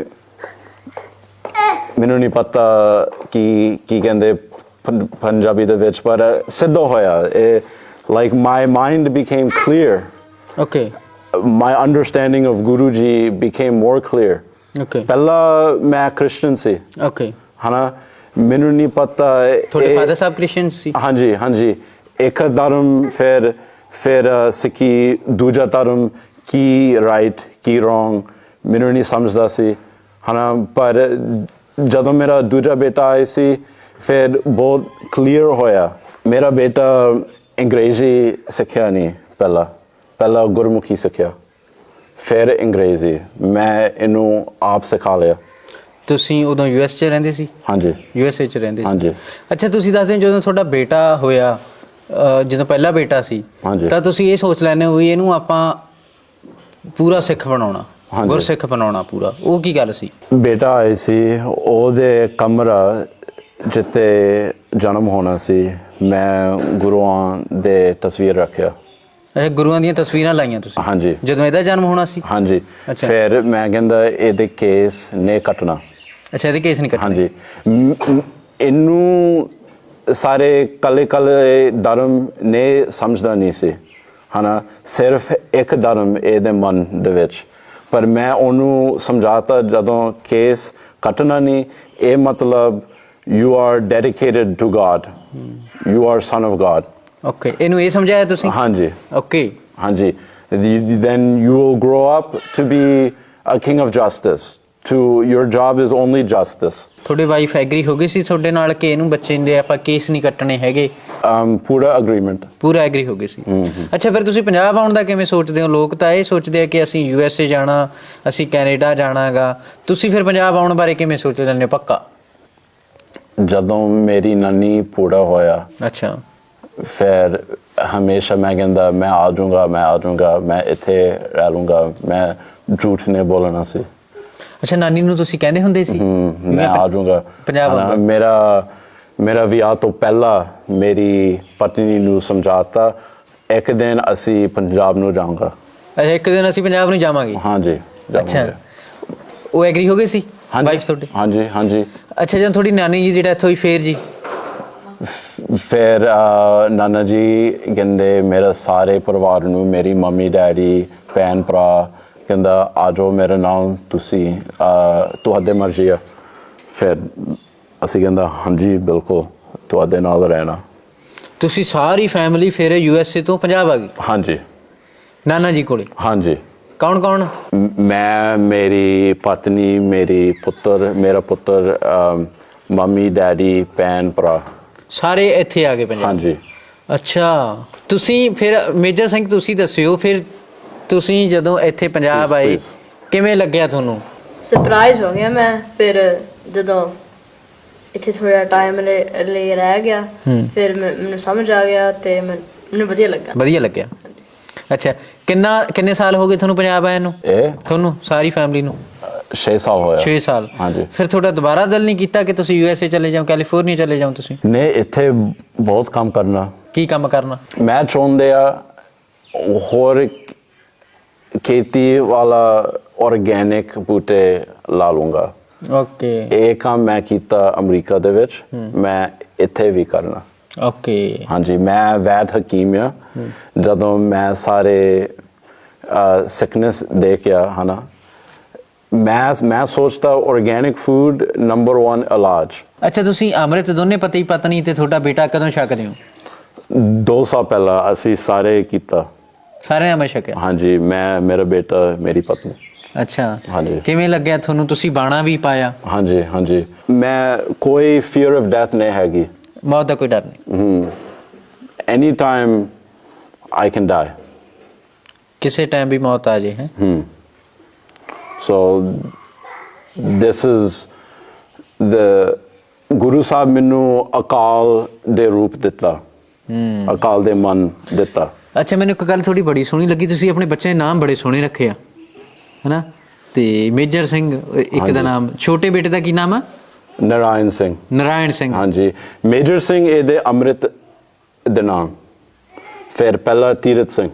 S3: ਮੈਨੂੰ ਨਹੀਂ ਪਤਾ ਕੀ ਕਹਿੰਦੇ ਪੰਜਾਬੀ ਦੇ ਵਿੱਚ, ਪਰ ਸਿੱਧਾ ਹੋਇਆ। Like my mind became clear.
S2: Okay.
S3: My understanding of Guru Ji became more clear.
S2: Okay.
S3: ਪਹਿਲਾਂ ਮੈਂ ਕ੍ਰਿਸਚਨ ਸੀ
S2: ਓਕੇ।
S3: ਹਨਾ। ਮੈਨੂੰ ਨਹੀਂ ਪਤਾ।
S2: ਤੁਹਾਡੇ ਫਾਦਰ ਸਾਹਿਬ ਕ੍ਰਿਸਚਨ ਸੀ? ਹਾਂਜੀ
S3: ਹਾਂਜੀ। ਇੱਕ ਧਰਮ, ਫਿਰ ਸਿੱਖੀ, ਦੂਜਾ ਧਰਮ, ਕੀ ਰਾਈਟ ਕੀ ਰੋਂਗ ਮੈਨੂੰ ਨਹੀਂ ਸਮਝਦਾ ਸੀ ਹਨਾ। ਪਰ ਜਦੋਂ ਮੇਰਾ ਦੂਜਾ ਬੇਟਾ ਆਇਆ ਸੀ ਫਿਰ ਬਹੁਤ ਕਲੀਅਰ ਹੋਇਆ। ਮੇਰਾ ਬੇਟਾ ਅੰਗਰੇਜ਼ੀ ਸਿੱਖਿਆ ਨਹੀਂ, ਪਹਿਲਾਂ ਗੁਰਮੁਖੀ ਸਿੱਖਿਆ, ਫਿਰ ਅੰਗਰੇਜ਼ੀ। ਮੈਂ ਇਹਨੂੰ ਆਪ ਸਿਖਾ ਲਿਆ।
S2: ਤੁਸੀਂ ਉਦੋਂ US 'ਚ ਰਹਿੰਦੇ ਸੀ?
S3: ਹਾਂਜੀ।
S2: USA 'ਚ ਰਹਿੰਦੇ ਸੀ?
S3: ਹਾਂਜੀ।
S2: ਅੱਛਾ, ਤੁਸੀਂ ਦੱਸਦੇ ਹੋ ਜਦੋਂ ਤੁਹਾਡਾ ਬੇਟਾ ਹੋਇਆ, ਜਦੋਂ ਪਹਿਲਾ ਬੇਟਾ ਸੀ, ਤਾਂ ਤੁਸੀਂ ਇਹ ਸੋਚ ਲੈਂਦੇ ਹੋ ਵੀ ਇਹਨੂੰ ਆਪਾਂ ਪੂਰਾ ਸਿੱਖ ਬਣਾਉਣਾ, ਗੁਰਸਿੱਖ ਬਣਾਉਣਾ ਪੂਰਾ। ਉਹ ਕੀ ਗੱਲ ਸੀ?
S3: ਬੇਟਾ ਆਏ ਸੀ, ਉਹਦੇ ਕਮਰਾ ਜਿੱਥੇ ਜਨਮ ਹੋਣਾ ਸੀ, ਮੈਂ ਗੁਰੂਆਂ ਦੇ ਤਸਵੀਰ ਰੱਖਿਆ।
S2: ਅੱਛਾ, ਗੁਰੂਆਂ ਦੀਆਂ ਤਸਵੀਰਾਂ ਲਾਈਆਂ ਤੁਸੀਂ?
S3: ਹਾਂਜੀ।
S2: ਜਦੋਂ ਇਹਦਾ ਜਨਮ ਹੋਣਾ ਸੀ?
S3: ਹਾਂਜੀ।
S2: ਅੱਛਾ।
S3: ਫਿਰ ਮੈਂ ਕਹਿੰਦਾ ਇਹਦੇ ਕੇਸ ਨੇ ਕੱਟਣਾ।
S2: ਅੱਛਾ, ਇਹਦੇ ਕੇਸ ਨਹੀਂ ਕੱਟਣੇ?
S3: ਹਾਂਜੀ। ਇਹਨੂੰ ਸਾਰੇ ਕੱਲੇ ਧਰਮ ਨੇ ਸਮਝਦਾ ਨਹੀਂ ਸੀ ਹਨਾ। ਸਿਰਫ ਇੱਕ ਧਰਮ ਇਹਦੇ ਮਨ ਦੇ ਵਿੱਚ, ਪਰ ਮੈਂ ਉਹਨੂੰ ਸਮਝਾਤਾ ਜਦੋਂ ਕੇਸ ਕੱਟਣਾ ਨਹੀਂ, ਇਹ ਮਤਲਬ you are dedicated to God, you are son of God.
S2: Okay, ਇਹਨੂੰ ਇਹ ਸਮਝਾਇਆ ਤੁਸੀਂ?
S3: ਹਾਂਜੀ
S2: ਓਕੇ,
S3: ਹਾਂਜੀ। then you will grow up to be a king of justice, to your job is only justice।
S2: ਤੁਹਾਡੇ ਵਾਈਫ ਐਗਰੀ ਹੋ ਗਈ ਸੀ ਤੁਹਾਡੇ ਨਾਲ ਕਿ ਇਹਨੂੰ ਬੱਚੇ ਦੇ ਆਪਾਂ ਕੇਸ ਨਹੀਂ ਕੱਟਣੇ ਹੈਗੇ?
S3: ਪੂਰਾ ਅਗਰੀਮੈਂਟ,
S2: ਪੂਰਾ ਐਗਰੀ ਹੋ ਗਏ ਸੀ। ਅੱਛਾ, ਫਿਰ ਤੁਸੀਂ ਪੰਜਾਬ ਆਉਣ ਦਾ ਕਿਵੇਂ ਸੋਚਦੇ ਹੋ? ਲੋਕ ਤਾਂ ਇਹ ਸੋਚਦੇ ਆ ਕਿ ਅਸੀਂ USA ਜਾਣਾ, ਅਸੀਂ ਕੈਨੇਡਾ ਜਾਣਾਗਾ, ਤੁਸੀਂ ਫਿਰ ਪੰਜਾਬ ਆਉਣ ਬਾਰੇ ਕਿਵੇਂ ਸੋਚ ਲੈਂਦੇ ਹੋ ਪੱਕਾ?
S3: ਜਦੋਂ ਮੇਰੀ ਨਾਨੀ ਪੂਰਾ ਹੋਇਆ,
S2: ਅੱਛਾ,
S3: ਫਿਰ ਹਮੇਸ਼ਾ ਮੈਂ ਕਹਿੰਦਾ ਮੈਂ ਆ ਜਾਊਂਗਾ, ਮੈਂ ਇੱਥੇ ਰਹਿ ਲੂੰਗਾ, ਮੈਂ ਝੂਠ ਨਹੀਂ ਬੋਲਣਾ ਸੀ।
S2: ਅੱਛਾ, ਨਾਨੀ ਨੂੰ ਤੁਸੀਂ ਕਹਿੰਦੇ ਹੁੰਦੇ ਸੀ
S3: ਮੈਂ ਆ ਜਾਊਂਗਾ
S2: ਪੰਜਾਬ?
S3: ਮੇਰਾ ਵਿਆਹ ਤੋਂ ਪਹਿਲਾਂ ਮੇਰੀ ਪਤਨੀ ਨੂੰ ਸਮਝਾਤਾ ਇੱਕ ਦਿਨ ਅਸੀਂ ਪੰਜਾਬ ਨੂੰ ਜਾਊਂਗਾ।
S2: ਅੱਛਾ, ਇੱਕ ਦਿਨ ਅਸੀਂ ਪੰਜਾਬ ਨੂੰ ਜਾਵਾਂਗੇ?
S3: ਹਾਂਜੀ।
S2: ਅੱਛਾ, ਉਹ ਐਗਰੀ ਹੋ ਗਏ ਸੀ ਵਾਈਫ ਤੁਹਾਡੀ?
S3: ਹਾਂਜੀ ਹਾਂਜੀ।
S2: ਅੱਛਾ, ਜਦੋਂ ਤੁਹਾਡੀ ਨਾਨੀ ਜੀ ਦੀ ਡੈਥ ਹੋਈ ਫੇਰ ਜੀ?
S3: ਫਿਰ ਨਾਨਾ ਜੀ ਕਹਿੰਦੇ ਮੇਰੇ ਸਾਰੇ ਪਰਿਵਾਰ ਨੂੰ, ਮੇਰੀ ਮੰਮੀ ਡੈਡੀ ਭੈਣ ਭਰਾ, ਕਹਿੰਦਾ ਆ ਜਾਓ ਮੇਰੇ ਨਾਲ, ਤੁਸੀਂ ਤੁਹਾਡੇ ਮਰਜ਼ੀ ਆ। ਫਿਰ ਅਸੀਂ ਕਹਿੰਦਾ ਹਾਂਜੀ ਬਿਲਕੁਲ ਤੁਹਾਡੇ ਨਾਲ ਰਹਿਣਾ।
S2: ਤੁਸੀਂ ਸਾਰੀ ਫੈਮਿਲੀ ਫਿਰ USA ਤੋਂ ਪੰਜਾਬ ਆ ਗਈ?
S3: ਹਾਂਜੀ।
S2: ਨਾਨਾ ਜੀ ਕੋਲੇ?
S3: ਹਾਂਜੀ।
S2: ਕੌਣ ਕੌਣ?
S3: ਮੈਂ, ਮੇਰੀ ਪਤਨੀ, ਮੇਰਾ ਪੁੱਤਰ, ਮੰਮੀ ਡੈਡੀ, ਭੈਣ ਭਰਾ,
S2: ਸਾਰੇ ਇੱਥੇ ਆ ਗਏ ਪੰਜਾਬ?
S3: ਹਾਂਜੀ।
S2: ਅੱਛਾ, ਤੁਸੀਂ ਫਿਰ ਮੇਜਰ ਸਿੰਘ ਤੁਸੀਂ ਦੱਸਿਓ, ਫਿਰ ਤੁਸੀਂ ਜਦੋਂ ਇੱਥੇ ਪੰਜਾਬ ਆਏ ਕਿਵੇਂ ਲੱਗਿਆ ਤੁਹਾਨੂੰ?
S4: ਸਰਪ੍ਰਾਈਜ਼ ਹੋ ਗਿਆ ਮੈਂ। ਫਿਰ ਜਦੋਂ ਇੱਥੇ ਥੋੜਾ ਟਾਈਮ ਲਈ ਰਹਿ ਗਿਆ, ਫਿਰ ਮੈਨੂੰ ਸਮਝ ਆ ਗਿਆ ਤੇ ਮੈਨੂੰ ਵਧੀਆ ਲੱਗਾ।
S2: ਵਧੀਆ ਲੱਗਿਆ। ਅੱਛਾ, ਕਿੰਨੇ ਸਾਲ ਹੋ ਗਏ ਤੁਹਾਨੂੰ ਪੰਜਾਬ ਆਏ ਨੂੰ?
S3: ਤੁਹਾਨੂੰ
S2: ਸਾਰੀ ਫੈਮਿਲੀ ਨੂੰ?
S3: 6 ਸਾਲ ਹੋਇਆ।
S2: 6 ਸਾਲ?
S3: ਹਾਂਜੀ।
S2: ਫਿਰ ਤੁਹਾਡਾ ਦੁਬਾਰਾ ਦਿਲ ਨਹੀਂ ਕੀਤਾ ਕਿ ਤੁਸੀਂ USA ਚਲੇ ਜਾਓ, ਕੈਲੀਫੋਰਨੀਆ ਚਲੇ ਜਾਓ ਤੁਸੀਂ?
S3: ਨਹੀਂ, ਇੱਥੇ ਬਹੁਤ ਕੰਮ ਕਰਨਾ।
S2: ਕੀ ਕੰਮ ਕਰਨਾ?
S3: ਮੈਂ ਚਾਹੁੰਦੇ ਆ ਹੋਰ ਖੇਤੀ ਵਾਲਾ ਆਰਗੈਨਿਕ ਬੂਟੇ ਲਾ ਲੂੰਗਾ।
S2: ਓਕੇ।
S3: ਇਹ ਕੰਮ ਮੈਂ ਕੀਤਾ ਅਮਰੀਕਾ ਦੇ ਵਿੱਚ, ਮੈਂ ਇੱਥੇ ਵੀ ਕਰਨਾ।
S2: ਓਕੇ।
S3: ਹਾਂਜੀ, ਮੈਂ ਵੈਦ ਹਕੀਮ ਆ। ਜਦੋਂ ਮੈਂ ਸਾਰੇ ਸਿਕਨੈਸ ਦੇਖਿਆ ਹਨਾ, ਮੈਂ ਸੋਚਦਾ ਆਰਗੈਨਿਕ ਫੂਡ ਨੰਬਰ 1 ਇਲਾਜ।
S2: ਅੱਛਾ, ਤੁਸੀਂ ਅੰਮ੍ਰਿਤ ਦੋਨੇ ਪਤੀ ਪਤਨੀ ਤੇ ਤੁਹਾਡਾ ਬੇਟਾ ਕਦੋਂ ਛਕਦੇ ਹੋ?
S3: 2 ਸਾਲ ਪਹਿਲਾਂ ਅਸੀਂ ਸਾਰੇ ਕੀਤਾ।
S2: ਸਾਰਿਆਂ ਨੇ ਅੰਮ੍ਰਿਤ ਛਕਿਆ?
S3: ਹਾਂਜੀ, ਮੈਂ, ਮੇਰਾ ਬੇਟਾ, ਮੇਰੀ ਪਤਨੀ।
S2: ਅੱਛਾ,
S3: ਹਾਂਜੀ।
S2: ਕਿਵੇਂ ਲੱਗਿਆ ਤੁਹਾਨੂੰ? ਤੁਸੀਂ ਬਾਣਾ ਵੀ ਪਾਇਆ?
S3: ਹਾਂਜੀ ਹਾਂਜੀ। ਮੈਂ ਕੋਈ ਫੀਅਰ ਆਫ ਡੈਥ ਨਹੀਂ ਹੈਗੀ।
S2: ਮੌਤ ਦਾ ਕੋਈ ਡਰ ਨਹੀਂ?
S3: Any time I can die.
S2: ਕਿਸੇ ਟਾਈਮ ਵੀ ਮੌਤ ਆ ਜੇ? ਹੈ।
S3: So this is the ਗੁਰੂ ਸਾਹਿਬ ਮੈਨੂੰ ਅਕਾਲ ਦੇ ਰੂਪ ਦਿੱਤਾ, ਅਕਾਲ ਦੇ ਮਨ ਦਿੱਤਾ।
S2: ਅੱਛਾ, ਮੈਨੂੰ ਇੱਕ ਗੱਲ ਥੋੜੀ ਬੜੀ ਸੋਹਣੀ ਲੱਗੀ, ਤੁਸੀਂ ਆਪਣੇ ਬੱਚੇ ਦੇ ਨਾਮ ਬੜੇ ਸੋਹਣੇ ਰੱਖੇ ਆ, ਹਨਾ? ਤੇ ਮੇਜਰ ਸਿੰਘ ਇੱਕ ਦਾ ਨਾਮ, ਛੋਟੇ ਬੇਟੇ ਦਾ ਕੀ ਨਾਮ ਆ?
S3: ਨਾਰਾਇਣ ਸਿੰਘ।
S2: ਨਾਰਾਇਣ ਸਿੰਘ? ਹਾਂਜੀ।
S3: ਮੇਜਰ ਸਿੰਘ ਇਹਦੇ ਅੰਮ੍ਰਿਤ ਦੇ ਨਾਮ, ਫਿਰ ਪਹਿਲਾ ਤੀਰਥ ਸਿੰਘ।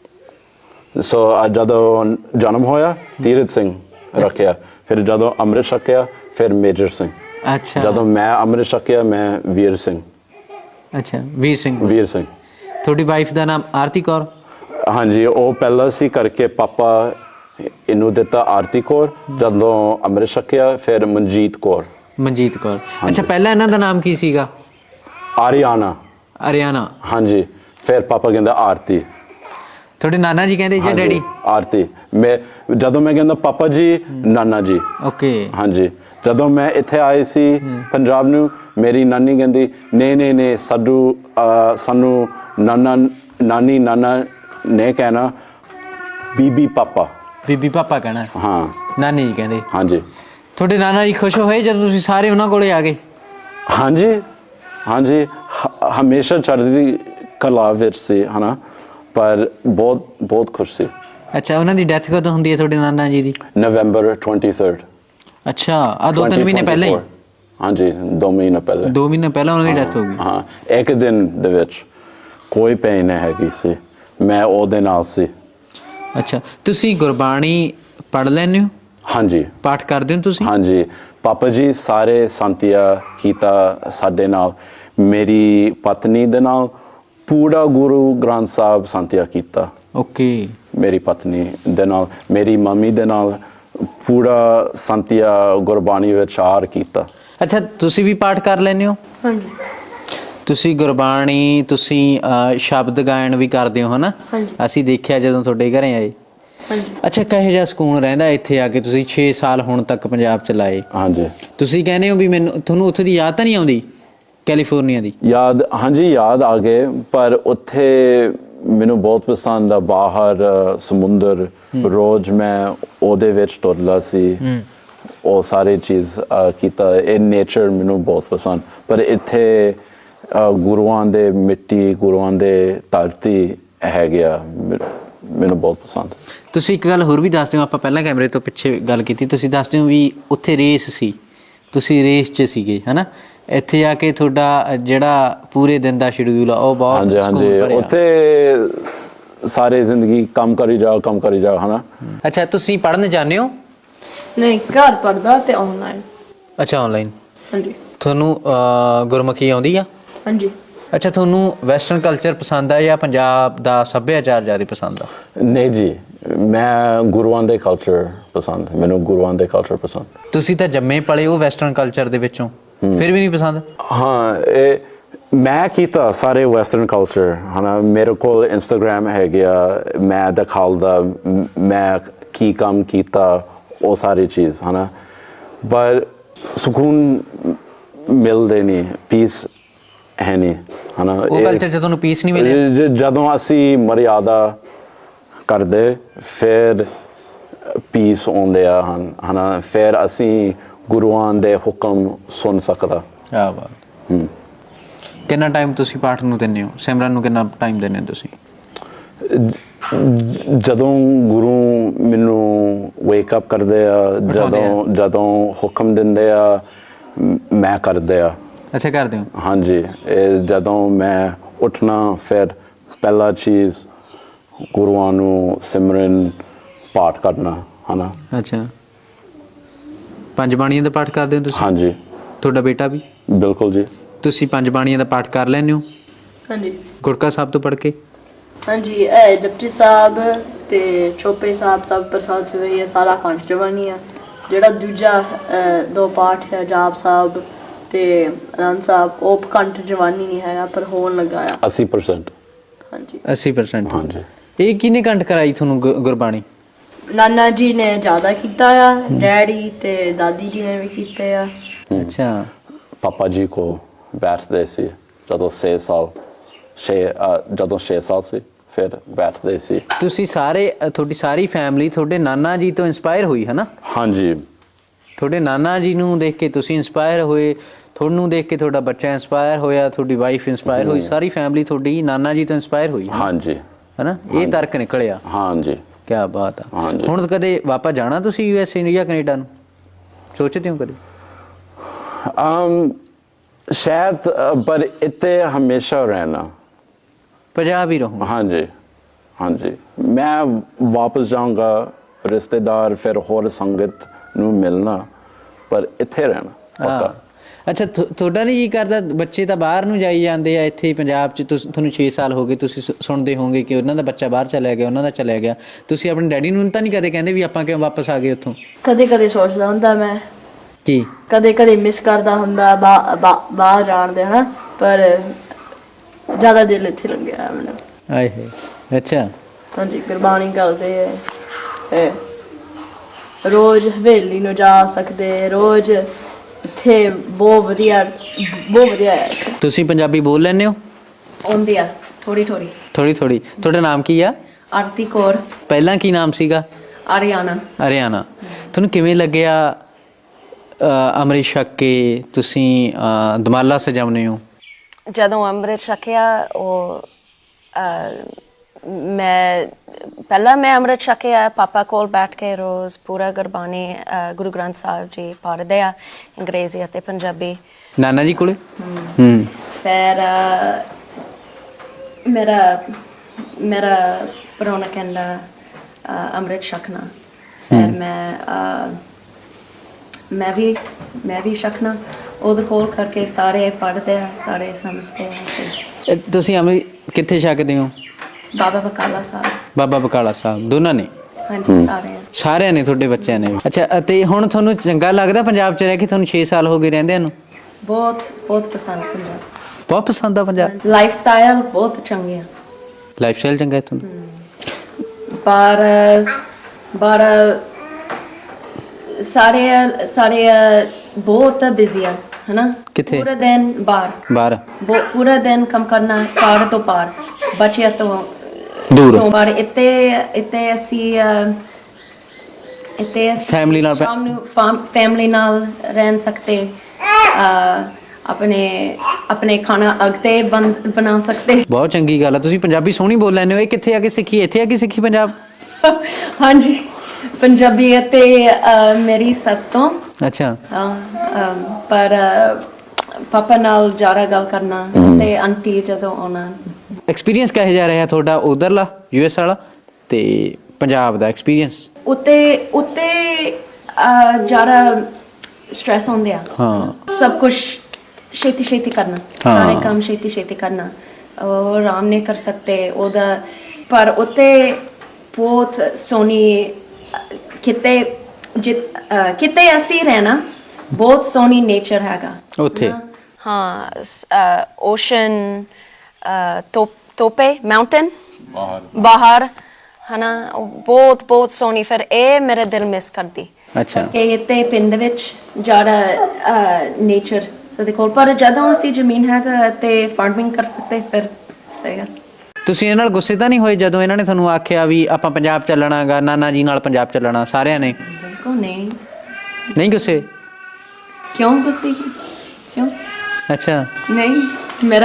S3: ਸੋ ਜਦੋਂ ਜਨਮ ਹੋਇਆ ਤੀਰਥ ਸਿੰਘ ਰੱਖਿਆ, ਫਿਰ ਜਦੋਂ ਅੰਮ੍ਰਿਤ ਛਕਿਆ ਫਿਰ ਮੇਜਰ ਸਿੰਘ।
S2: ਅੱਛਾ।
S3: ਜਦੋਂ ਮੈਂ ਅੰਮ੍ਰਿਤ ਛਕਿਆ ਮੈਂ ਵੀਰ ਸਿੰਘ।
S2: ਅੱਛਾ, ਵੀਰ ਸਿੰਘ।
S3: ਵੀਰ ਸਿੰਘ।
S2: ਤੁਹਾਡੀ ਵਾਈਫ ਦਾ ਨਾਮ ਆਰਤੀ ਕੌਰ?
S3: ਹਾਂਜੀ, ਉਹ ਪਹਿਲਾਂ ਸੀ ਕਰਕੇ ਪਾਪਾ ਇਹਨੂੰ ਦਿੱਤਾ ਆਰਤੀ ਕੌਰ। ਜਦੋਂ ਅੰਮ੍ਰਿਤ ਛਕਿਆ ਫਿਰ ਮਨਜੀਤ ਕੌਰ।
S2: ਮਨਜੀਤ ਕੌਰ। ਅੱਛਾ, ਪਹਿਲਾਂ ਇਹਨਾਂ ਦਾ ਨਾਮ ਕੀ ਸੀਗਾ?
S3: ਆਰੀਆਨਾ।
S2: ਆਰੀਆਨਾ।
S3: ਹਾਂਜੀ, ਫਿਰ ਪਾਪਾ ਕਹਿੰਦਾ ਆਰਤੀ।
S2: ਤੁਹਾਡੇ ਨਾਨਾ ਜੀ ਕਹਿੰਦੇ ਜਾਂ ਡੈਡੀ?
S3: ਆਰਤੀ। ਜਦੋਂ ਮੈਂ ਕਹਿੰਦਾ ਪਾਪਾ ਜੀ, ਨਾਨਾ ਜੀ।
S2: ਓਕੇ। ਹਾਂਜੀ।
S3: ਜਦੋਂ ਮੈਂ ਇੱਥੇ ਆਏ ਸੀ ਪੰਜਾਬ ਨੂੰ, ਮੇਰੀ ਨਾਨੀ ਕਹਿੰਦੀ ਨਹੀਂ ਸਾਨੂੰ ਨਾਨੀ ਨਾਨਾ ਨੇ ਕਹਿਣਾ, ਬੀਬੀ ਪਾਪਾ।
S2: ਬੀਬੀ ਪਾਪਾ ਕਹਿਣਾ?
S3: ਹਾਂ।
S2: ਨਾਨੀ ਜੀ ਕਹਿੰਦੇ?
S3: ਹਾਂਜੀ।
S2: ਤੁਹਾਡੇ ਨਾਨਾ ਜੀ ਖੁਸ਼ ਹੋਏ ਜਦੋਂ ਤੁਸੀਂ ਸਾਰੇ ਉਹਨਾਂ ਕੋਲੇ ਆ ਗਏ?
S3: ਹਾਂਜੀ ਹਾਂਜੀ, ਹਮੇਸ਼ਾ ਚੜ੍ਹਦੀ ਕਲਾ ਵਿੱਚ ਸੀ ਹਨਾ, ਪਰ ਬਹੁਤ ਖੁਸ਼ ਸੀ।
S2: ਅੱਛਾ, ਉਹਨਾਂ ਦੀ ਡੈਥ ਕਦੋਂ ਹੁੰਦੀ ਹੈ ਤੁਹਾਡੇ ਨਾਨਾ ਜੀ ਦੀ?
S3: ਨਵੰਬਰ 23।
S2: ਅੱਛਾ, ਆ 2-3 ਮਹੀਨੇ ਪਹਿਲਾਂ ਹੀ?
S3: ਹਾਂਜੀ, 2 ਮਹੀਨੇ ਪਹਿਲਾਂ।
S2: 2 ਮਹੀਨੇ ਪਹਿਲਾਂ ਉਹਨਾਂ ਦੀ ਡੈਥ ਹੋ ਗਈ?
S3: ਹਾਂ, ਇੱਕ ਦਿਨ ਦੇ ਵਿੱਚ। ਕੋਈ ਪੇਨ ਨਹੀਂ ਹੈਗੀ ਸੀ, ਮੈਂ ਉਹਦੇ ਨਾਲ ਸੀ।
S2: ਅੱਛਾ, ਤੁਸੀਂ ਗੁਰਬਾਣੀ ਪੜ੍ਹ ਲੈਂਦੇ ਹੋ?
S3: ਹਾਂਜੀ। ਪਾਠ
S2: ਕਰਦੇ ਹੋ ਤੁਸੀਂ?
S3: ਹਾਂਜੀ, ਪਾਪਾ ਜੀ ਸਾਰੇ ਸੰਤਿਆ ਕੀਤਾ ਸਾਡੇ ਨਾਲ, ਮੇਰੀ ਪਤਨੀ ਦੇ ਨਾਲ ਪੂਰਾ ਗੁਰੂ ਗ੍ਰੰਥ ਸਾਹਿਬ ਸੰਤਿਆ ਕੀਤਾ।
S2: ਓਕੇ।
S3: ਮੇਰੀ ਪਤਨੀ ਦੇ ਨਾਲ, ਮੇਰੀ ਮੰਮੀ ਦੇ ਨਾਲ ਪੂਰਾ ਸੰਤਿਆ ਗੁਰਬਾਣੀ ਵਿਚਾਰ ਕੀਤਾ।
S2: ਅੱਛਾ, ਤੁਸੀਂ ਵੀ ਪਾਠ ਕਰ ਲੈਂਦੇ ਹੋ?
S4: ਹਾਂਜੀ
S2: ਤੁਸੀਂ ਗੁਰਬਾਣੀ, ਤੁਸੀਂ ਸ਼ਬਦ ਗਾਇਨ ਵੀ ਕਰਦੇ ਹੋ ਹਨਾ?
S4: ਹਾਂਜੀ।
S2: ਅਸੀਂ ਦੇਖਿਆ ਜਦੋਂ ਤੁਹਾਡੇ ਘਰੇ ਆਏ।
S4: ਹਾਂਜੀ
S2: ਅੱਛਾ, ਕਿਹੋ ਜਿਹਾ ਸਕੂਨ ਰਹਿੰਦਾ ਇੱਥੇ ਆ ਕੇ? ਤੁਸੀਂ 6 ਸਾਲ ਹੁਣ ਤੱਕ ਪੰਜਾਬ ਚ ਲਾਏ,
S3: ਹਾਂਜੀ।
S2: ਤੁਸੀਂ ਕਹਿੰਦੇ ਹੋ ਵੀ ਤੁਹਾਨੂੰ ਉੱਥੇ ਦੀ ਯਾਦ ਤਾਂ ਨਹੀਂ ਆਉਂਦੀ ਕੈਲੀਫੋਰਨੀਆ ਦੀ?
S3: ਯਾਦ, ਹਾਂਜੀ ਯਾਦ ਆ ਗਏ, ਪਰ ਉੱਥੇ ਮੈਨੂੰ ਬਹੁਤ ਪਸੰਦ ਆ ਬਾਹਰ ਸਮੁੰਦਰ, ਰੋਜ਼ ਮੈਂ ਉਹਦੇ ਵਿੱਚ ਤੁਰਦਾ ਸੀ, ਉਹ ਸਾਰੇ ਚੀਜ਼ ਕੀਤਾ। ਇਹ ਨੇਚਰ ਮੈਨੂੰ ਬਹੁਤ ਪਸੰਦ, ਪਰ ਇੱਥੇ ਗੁਰੂਆਂ ਦੇ ਮਿੱਟੀ, ਗੁਰੂਆਂ ਦੇ ਧਰਤੀ ਹੈਗੀ ਆ, ਮੈਨੂੰ ਬਹੁਤ ਪਸੰਦ।
S2: ਤੁਸੀਂ ਇੱਕ ਗੱਲ ਹੋਰ ਵੀ ਦੱਸ ਦਿਓ, ਆਪਾਂ ਪਹਿਲਾਂ ਕੈਮਰੇ ਤੋਂ ਪਿੱਛੇ ਗੱਲ ਕੀਤੀ, ਤੁਸੀਂ ਦੱਸ ਦਿਓ ਵੀ ਉੱਥੇ ਰੇਸ ਸੀ, ਤੁਸੀਂ ਰੇਸ 'ਚ ਸੀਗੇ ਹਨਾ? ਇੱਥੇ ਆ ਕੇ ਤੁਹਾਡਾ ਜਿਹੜਾ ਪੂਰੇ ਦਿਨ ਦਾ ਸ਼ਡਿਊਲ ਆ ਉਹ ਬਹੁਤ
S3: ਹਾਂਜੀ ਹਾਂਜੀ, ਉੱਥੇ ਸਾਰੇ ਜ਼ਿੰਦਗੀ ਕੰਮ ਕਰੀ ਜਾਓ ਹਨਾ?
S2: ਅੱਛਾ, ਤੁਸੀਂ ਪੜ੍ਹਨ ਜਾਂਦੇ ਹੋ?
S4: ਨਹੀਂ, ਘਰ ਪੜਦਾ ਤੇ ਆਨਲਾਈਨ।
S2: ਅੱਛਾ, ਆਨਲਾਈਨ।
S4: ਹਾਂਜੀ
S2: ਤੁਹਾਨੂੰ ਗੁਰਮੁਖੀ ਆਉਂਦੀ ਆ?
S4: ਹਾਂਜੀ।
S2: ਅੱਛਾ, ਤੁਹਾਨੂੰ ਵੈਸਟਰਨ ਕਲਚਰ ਪਸੰਦ ਆ ਜਾਂ ਪੰਜਾਬ ਦਾ ਸੱਭਿਆਚਾਰ ਜ਼ਿਆਦਾ ਪਸੰਦ ਆ?
S3: ਨਹੀਂ ਜੀ, ਮੈਂ ਗੁਰੂਆਂ ਦੇ ਕਲਚਰ ਪਸੰਦ, ਮੈਨੂੰ ਗੁਰੂਆਂ ਦੇ ਕਲਚਰ ਪਸੰਦ।
S2: ਤੁਸੀਂ ਤਾਂ ਜੰਮੇ ਪਲੇ ਉਹ ਵੈਸਟਰਨ ਕਲਚਰ ਦੇ ਵਿੱਚੋਂ, ਫਿਰ ਵੀ ਨਹੀਂ ਪਸੰਦ?
S3: ਹਾਂ, ਇਹ ਮੈਂ ਕੀਤਾ ਸਾਰੇ ਵੈਸਟਰਨ ਕਲਚਰ ਹਨਾ। ਮੇਰੇ ਕੋਲ ਇੰਸਟਾਗ੍ਰਾਮ ਹੈਗਾ, ਮੈਂ ਦਿਖਾਉਂਦਾ ਮੈਂ ਕੀ ਕੰਮ ਕੀਤਾ, ਉਹ ਸਾਰੀ ਚੀਜ਼ ਹਨਾ, ਪਰ ਸਕੂਨ ਮਿਲਦੇ ਨਹੀਂ, ਪੀਸ ਹੈ ਨਹੀਂ ਹਨਾ।
S2: ਉਹ ਕਲਚਰ 'ਚ ਤੁਹਾਨੂੰ ਪੀਸ ਨਹੀਂ ਮਿਲਿਆ?
S3: ਜਦੋਂ ਅਸੀਂ ਮਰਿਆਦਾ ਕਰਦੇ ਫਿਰ ਪੀਸ ਆਉਂਦੇ ਆ ਹਨਾ, ਫਿਰ ਅਸੀਂ ਗੁਰੂਆਂ ਦੇ ਹੁਕਮ ਸੁਣ ਸਕਦਾ।
S2: ਕਿਆ ਬਾਤ। ਕਿੰਨਾ ਟਾਈਮ ਤੁਸੀਂ ਪਾਠ ਨੂੰ ਦਿੰਦੇ ਹੋ, ਸਿਮਰਨ ਨੂੰ ਕਿੰਨਾ ਟਾਈਮ ਦਿੰਦੇ ਹੋ ਤੁਸੀਂ?
S3: ਜਦੋਂ ਗੁਰੂ ਮੈਨੂੰ ਵੇਕ ਅਪ ਕਰਦੇ ਆ, ਜਦੋਂ ਹੁਕਮ ਦਿੰਦੇ ਆ, ਮੈਂ ਕਰਦੇ ਆ।
S2: ਅੱਛਾ, ਕਰਦੇ ਹੋ?
S3: ਹਾਂਜੀ, ਇਹ ਜਦੋਂ ਮੈਂ ਉੱਠਣਾ, ਫਿਰ ਪਹਿਲਾ ਚੀਜ਼ ਗੁਰੂਆਂ ਨੂੰ ਸਿਮਰਨ ਪਾਠ ਕਰਨਾ ਹਨਾ।
S2: ਅੱਛਾ, 5 ਬਾਣੀਆਂ ਦਾ ਪਾਠ ਕਰਦੇ ਹੋ ਤੁਸੀਂ?
S3: ਹਾਂਜੀ।
S2: ਤੁਹਾਡਾ ਬੇਟਾ ਵੀ?
S3: ਬਿਲਕੁਲ ਜੀ।
S2: ਤੁਸੀਂ 5 ਬਾਣੀਆਂ ਦਾ ਪਾਠ ਕਰ ਲੈਂਦੇ ਹੋ?
S4: ਹਾਂਜੀ
S2: ਗੁਰਕਾ ਸਾਹਿਬ ਤੋਂ ਪੜ੍ਹ ਕੇ?
S4: ਹਾਂਜੀ, ਇਹ ਜਪਜੀ ਸਾਹਿਬ ਤੇ ਚੌਪੇ ਸਾਹਿਬ ਦਾ ਪ੍ਰਸਾਦ ਸਵੇਈ ਸਾਰਾ ਕੰਠ ਜਵਾਨੀ ਆ। ਜਿਹੜਾ ਦੂਜਾ 2 ਪਾਠ ਹੈ ਜਾਪ ਸਾਹਿਬ ਤੇ ਆਨੰਦ ਸਾਹਿਬ, ਉਹ ਕੰਠ ਜਵਾਨੀ ਨਹੀਂ ਹੈਗਾ, ਪਰ ਹੋਣ ਲੱਗਾ ਆ
S3: 80%।
S4: ਹਾਂਜੀ
S2: 80%?
S3: ਹਾਂਜੀ।
S2: ਇਹ ਕਿਹਨੇ ਕੰਠ ਕਰਾਈ ਤੁਹਾਨੂੰ ਗੁਰਬਾਣੀ?
S4: ਨਾਨਾ ਜੀ ਨੇ ਜ਼ਿਆਦਾ ਕੀਤਾ ਆ, ਡੈਡੀ ਤੇ ਦਾਦੀ ਜੀ ਨੇ ਵੀ ਕੀਤੇ ਆ।
S2: ਅੱਛਾ।
S3: ਪਾਪਾ ਜੀ ਕੋ ਬੈਠਦੇ ਸੀ ਜਦੋਂ 6 ਸਾਲ ਸੀ, ਫਿਰ ਬੈਠਦੇ ਸੀ।
S2: ਤੁਸੀਂ ਸਾਰੇ, ਤੁਹਾਡੀ ਸਾਰੀ ਫੈਮਿਲੀ ਤੁਹਾਡੇ ਨਾਨਾ ਜੀ ਤੋਂ ਇੰਸਪਾਇਰ ਹੋਈ ਹੈ ਨਾ?
S3: ਹਾਂਜੀ।
S2: ਤੁਹਾਡੇ ਨਾਨਾ ਜੀ ਨੂੰ ਦੇਖ ਕੇ ਤੁਸੀਂ ਇੰਸਪਾਇਰ ਹੋਏ, ਤੁਹਾਨੂੰ ਦੇਖ ਕੇ ਤੁਹਾਡਾ ਬੱਚਾ ਇੰਸਪਾਇਰ ਹੋਇਆ, ਤੁਹਾਡੀ ਵਾਈਫ ਇੰਸਪਾਇਰ ਹੋਈ, ਸਾਰੀ ਫੈਮਿਲੀ ਤੁਹਾਡੀ ਨਾਨਾ ਜੀ ਤੋਂ ਇੰਸਪਾਇਰ ਹੋਈ
S3: ਹਾਂਜੀ।
S2: ਹੈਨਾ? ਇਹ ਤਰਕ ਨਿਕਲਿਆ।
S3: ਹਾਂਜੀ।
S2: ਕੀ ਬਾਤ ਆ। ਹੁਣ ਕਦੇ ਵਾਪਸ ਜਾਣਾ ਤੁਸੀਂ USA ਨੂੰ ਜਾਂ ਕੈਨੇਡਾ ਨੂੰ, ਸੋਚਦੇ ਹੋ ਕਦੇ?
S3: ਸ਼ਾਇਦ, ਪਰ ਇੱਥੇ ਹਮੇਸ਼ਾ ਰਹਿਣਾ,
S2: ਪੰਜਾਬ ਹੀ ਰਹੂੰ?
S3: ਹਾਂਜੀ ਹਾਂਜੀ। ਮੈਂ ਵਾਪਸ ਜਾਊਂਗਾ, ਰਿਸ਼ਤੇਦਾਰ ਫਿਰ ਹੋਰ ਸੰਗਤ ਨੂੰ ਮਿਲਣਾ, ਪਰ ਇੱਥੇ ਰਹਿਣਾ ਪੱਕਾ।
S2: ਅੱਛਾ, ਤੁਹਾਡਾ ਨਹੀਂ ਜੀ ਕਰਦਾ? ਬੱਚੇ ਤਾਂ ਬਾਹਰ ਨੂੰ ਜਾਈ ਜਾਂਦੇ ਆ, ਇੱਥੇ ਪੰਜਾਬ 'ਚ ਤੁਹਾਨੂੰ 6 ਸਾਲ ਹੋ ਗਏ, ਤੁਸੀਂ ਸੁਣਦੇ ਹੋਵੋਗੇ ਕਿ ਉਹਨਾਂ ਦਾ ਬੱਚਾ ਬਾਹਰ ਚਲਿਆ ਗਿਆ, ਉਹਨਾਂ ਦਾ ਚਲਿਆ ਗਿਆ। ਤੁਸੀਂ ਆਪਣੇ ਡੈਡੀ ਨੂੰ ਤਾਂ ਨਹੀਂ ਕਦੇ ਕਹਿੰਦੇ ਵੀ ਆਪਾਂ ਕਿਉਂ ਵਾਪਸ ਆ ਗਏ ਉੱਥੋਂ?
S4: ਕਦੇ ਕਦੇ ਸੋਚਦਾ ਹੁੰਦਾ ਮੈਂ,
S2: ਕੀ
S4: ਕਦੇ ਕਦੇ ਮਿਸ ਕਰਦਾ ਹੁੰਦਾ ਬਾਹਰ ਜਾਣ ਦੇ ਹਨਾ, ਪਰ ਜ਼ਿਆਦਾ ਦਿਲ ਇੱਥੇ ਲੱਗਿਆ ਮੈਨੂੰ।
S2: ਆਏ ਹੈ। ਅੱਛਾ।
S4: ਹਾਂਜੀ, ਗੁਰਬਾਣੀ ਕਰਦੇ ਹੈ, ਰੋਜ਼ ਹਵੇਲੀ ਨੂੰ ਜਾ ਸਕਦੇ, ਰੋਜ਼ ਇੱਥੇ ਬਹੁਤ ਵਧੀਆ ਹੈ।
S2: ਤੁਸੀਂ ਪੰਜਾਬੀ ਬੋਲ ਲੈਂਦੇ ਹੋ?
S4: ਆਉਂਦੀ ਆ ਥੋੜੀ ਥੋੜੀ।
S2: ਤੁਹਾਡਾ ਨਾਮ ਕੀ ਆ?
S4: ਆਰਤੀ ਕੌਰ।
S2: ਪਹਿਲਾਂ ਕੀ ਨਾਮ ਸੀਗਾ?
S4: ਆਰੀਆਨਾ।
S2: ਆਰੀਆਨਾ। ਤੁਹਾਨੂੰ ਕਿਵੇਂ ਲੱਗਿਆ ਅੰਮ੍ਰਿਤ ਛਕ ਕੇ ਤੁਸੀਂ ਦਮਾਲਾ ਸਜਾਉਂਦੇ ਹੋ?
S5: ਜਦੋਂ ਅੰਮ੍ਰਿਤ ਛਕਿਆ, ਉਹ ਮੈਂ ਅੰਮ੍ਰਿਤ ਛਕਿਆ, ਪਾਪਾ ਕੋਲ ਬੈਠ ਕੇ ਰੋਜ਼ ਪੂਰਾ ਗੁਰਬਾਣੀ, ਗੁਰੂ ਗ੍ਰੰਥ ਸਾਹਿਬ ਜੀ ਪੜ੍ਹਦੇ ਆ, ਅੰਗਰੇਜ਼ੀ ਅਤੇ ਪੰਜਾਬੀ।
S2: ਨਾਨਾ ਜੀ ਕੋਲੇ?
S5: ਫਿਰ ਮੇਰਾ ਪ੍ਰਾਹੁਣਾ ਕਹਿੰਦਾ ਅੰਮ੍ਰਿਤ ਛਕਣਾ, ਫਿਰ ਮੈਂ ਵੀ ਛਕਣਾ। ਉਹਦੇ ਕੋਲ ਕਰਕੇ ਸਾਰੇ ਪੜ੍ਹਦੇ ਆ, ਸਾਰੇ ਸਮਝਦੇ ਆ।
S2: ਤੁਸੀਂ ਅੰਮ੍ਰਿਤ ਕਿੱਥੇ ਛਕਦੇ ਹੋ?
S5: ਬਾਬਾ ਬਕਾਲਾ ਸਾਹਿਬ।
S2: ਬਾਬਾ ਬਕਾਲਾ ਸਾਹਿਬ ਦੋਨਾਂ ਨੇ?
S5: ਹਾਂਜੀ ਸਾਰੇ।
S2: ਸਾਰਿਆਂ ਨੇ ਤੁਹਾਡੇ ਬੱਚਿਆਂ ਨੇ? ਅੱਛਾ, ਅਤੇ ਹੁਣ ਤੁਹਾਨੂੰ ਚੰਗਾ ਲੱਗਦਾ ਪੰਜਾਬ 'ਚ ਰਹਿ ਕੇ? ਤੁਹਾਨੂੰ 6 ਸਾਲ ਹੋ ਗਏ ਰਹਿੰਦਿਆਂ ਨੂੰ?
S5: ਬਹੁਤ ਬਹੁਤ ਪਸੰਦ ਪੰਜਾਬ।
S2: ਬਹੁਤ ਪਸੰਦ ਆ ਪੰਜਾਬ?
S5: ਲਾਈਫ ਸਟਾਈਲ ਬਹੁਤ ਚੰਗੀ ਆ।
S2: ਲਾਈਫ ਸਟਾਈਲ ਚੰਗਾ ਹੈ ਤੁਹਾਨੂੰ?
S5: ਪਰ ਸਾਰੇ ਬਹੁਤ ਬਿਜ਼ੀ ਆ, ਹੈ ਨਾ?
S2: ਕਿੱਥੇ?
S5: ਪੂਰਾ ਦਿਨ ਬਾਹਰ ਪੂਰਾ ਦਿਨ ਕੰਮ ਕਰਨਾ, ਘਰ ਤੋਂ ਬਾਹਰ, ਬੱਚਿਆਂ ਤੋਂ
S2: ਦੂਰ।
S5: ਪਰ ਇੱਥੇ ਅਸੀਂ
S2: ਫੈਮਿਲੀ ਨਾਲ
S5: ਸ਼ਾਮ ਨੂੰ ਫੈਮਿਲੀ ਨਾਲ ਰਹਿ ਸਕਦੇ, ਆਪਣੇ ਖਾਣਾ ਅਗਤੇ ਬਣਾ ਸਕਦੇ।
S2: ਬਹੁਤ ਚੰਗੀ ਗੱਲ ਆ। ਤੁਸੀਂ ਪੰਜਾਬੀ ਸੋਹਣੀ ਬੋਲ ਲੈਂਦੇ ਹੋ। ਇਹ ਕਿੱਥੇ ਆ ਕੇ ਸਿੱਖੀ? ਇੱਥੇ ਆ ਕੇ ਸਿੱਖੀ ਪੰਜਾਬ?
S5: ਹਾਂਜੀ, ਪੰਜਾਬੀ ਅਤੇ ਮੇਰੀ ਸੱਸ ਤੋਂ।
S2: ਅੱਛਾ।
S5: ਪਰ ਪਾਪਾ ਨਾਲ ਜ਼ਿਆਦਾ ਗੱਲ ਕਰਨਾ ਤੇ ਆਂਟੀ ਜਦੋਂ ਆਉਣਾ।
S2: ਐਕਸਪੀਰੀਅੰਸ ਕਿਹੋ ਜਿਹਾ ਰਿਹਾ ਤੁਹਾਡਾ ਉਧਰਲਾ ਯੂਐਸ ਵਾਲਾ ਤੇ ਪੰਜਾਬ ਦਾ ਐਕਸਪੀਰੀਅੰਸ?
S5: ਉੱਤੇ ਜ਼ਿਆਦਾ ਸਟ੍ਰੈਸ ਹੁੰਦੇ ਆ।
S2: ਹਾਂ।
S5: ਸਭ ਕੁਝ ਛੇਤੀ ਕਰਨਾ, ਸਾਰੇ ਕੰਮ ਛੇਤੀ ਕਰਨਾ, ਉਹ ਆਰਾਮ ਨਹੀਂ ਕਰ ਸਕਦੇ ਉਹਦਾ। ਪਰ ਉੱਤੇ ਬਹੁਤ ਸੋਹਣੀ ਕਿਤੇ ਅਸੀਂ ਰਹਿਣਾ, ਬਹੁਤ ਸੋਹਣੀ ਨੇਚਰ ਹੈਗਾ
S2: ਉੱਥੇ।
S5: ਹਾਂ, ਓਸ਼ਨ, ਤੋਪੇ ਮਾਊਂਟੇਨ ਬਾਹਰ, ਹੈ ਨਾ? ਬਹੁਤ ਸੋਹਣੀ। ਫਿਰ ਇਹ ਮੇਰੇ ਦਿਲ ਮਿਸ ਕਰਦੀ।
S2: ਅੱਛਾ।
S5: ਕਿ ਇੱਥੇ ਪਿੰਡ ਵਿੱਚ ਜ਼ਿਆਦਾ ਨੇਚਰ ਸਾਡੇ ਕੋਲ, ਪਰ ਜਦੋਂ ਅਸੀਂ ਜ਼ਮੀਨ ਹੈਗਾ ਤੇ ਫਾਰਮਿੰਗ ਕਰ ਸਕਦੇ, ਫਿਰ ਸਹੀ ਗੱਲ।
S2: ਤੁਸੀਂ ਇਹਨਾਂ ਨਾਲ ਗੁੱਸੇ ਤਾਂ ਨਹੀਂ ਹੋਏ ਜਦੋਂ ਇਹਨਾਂ ਨੇ ਤੁਹਾਨੂੰ ਆਖਿਆ ਵੀ ਆਪਾਂ ਪੰਜਾਬ ਚੱਲਣਾਗਾ, ਨਾਨਾ ਜੀ ਨਾਲ ਪੰਜਾਬ ਚੱਲਣਾ ਸਾਰਿਆਂ ਨੇ?
S5: ਬਿਲਕੁਲ ਨਹੀਂ।
S2: ਨਹੀਂ ਗੁੱਸੇ?
S5: ਕਿਉਂ ਗੁੱਸੇ? ਕਿਉਂ?
S2: ਅੱਛਾ।
S5: ਨਹੀਂ, ਮੇਰਾ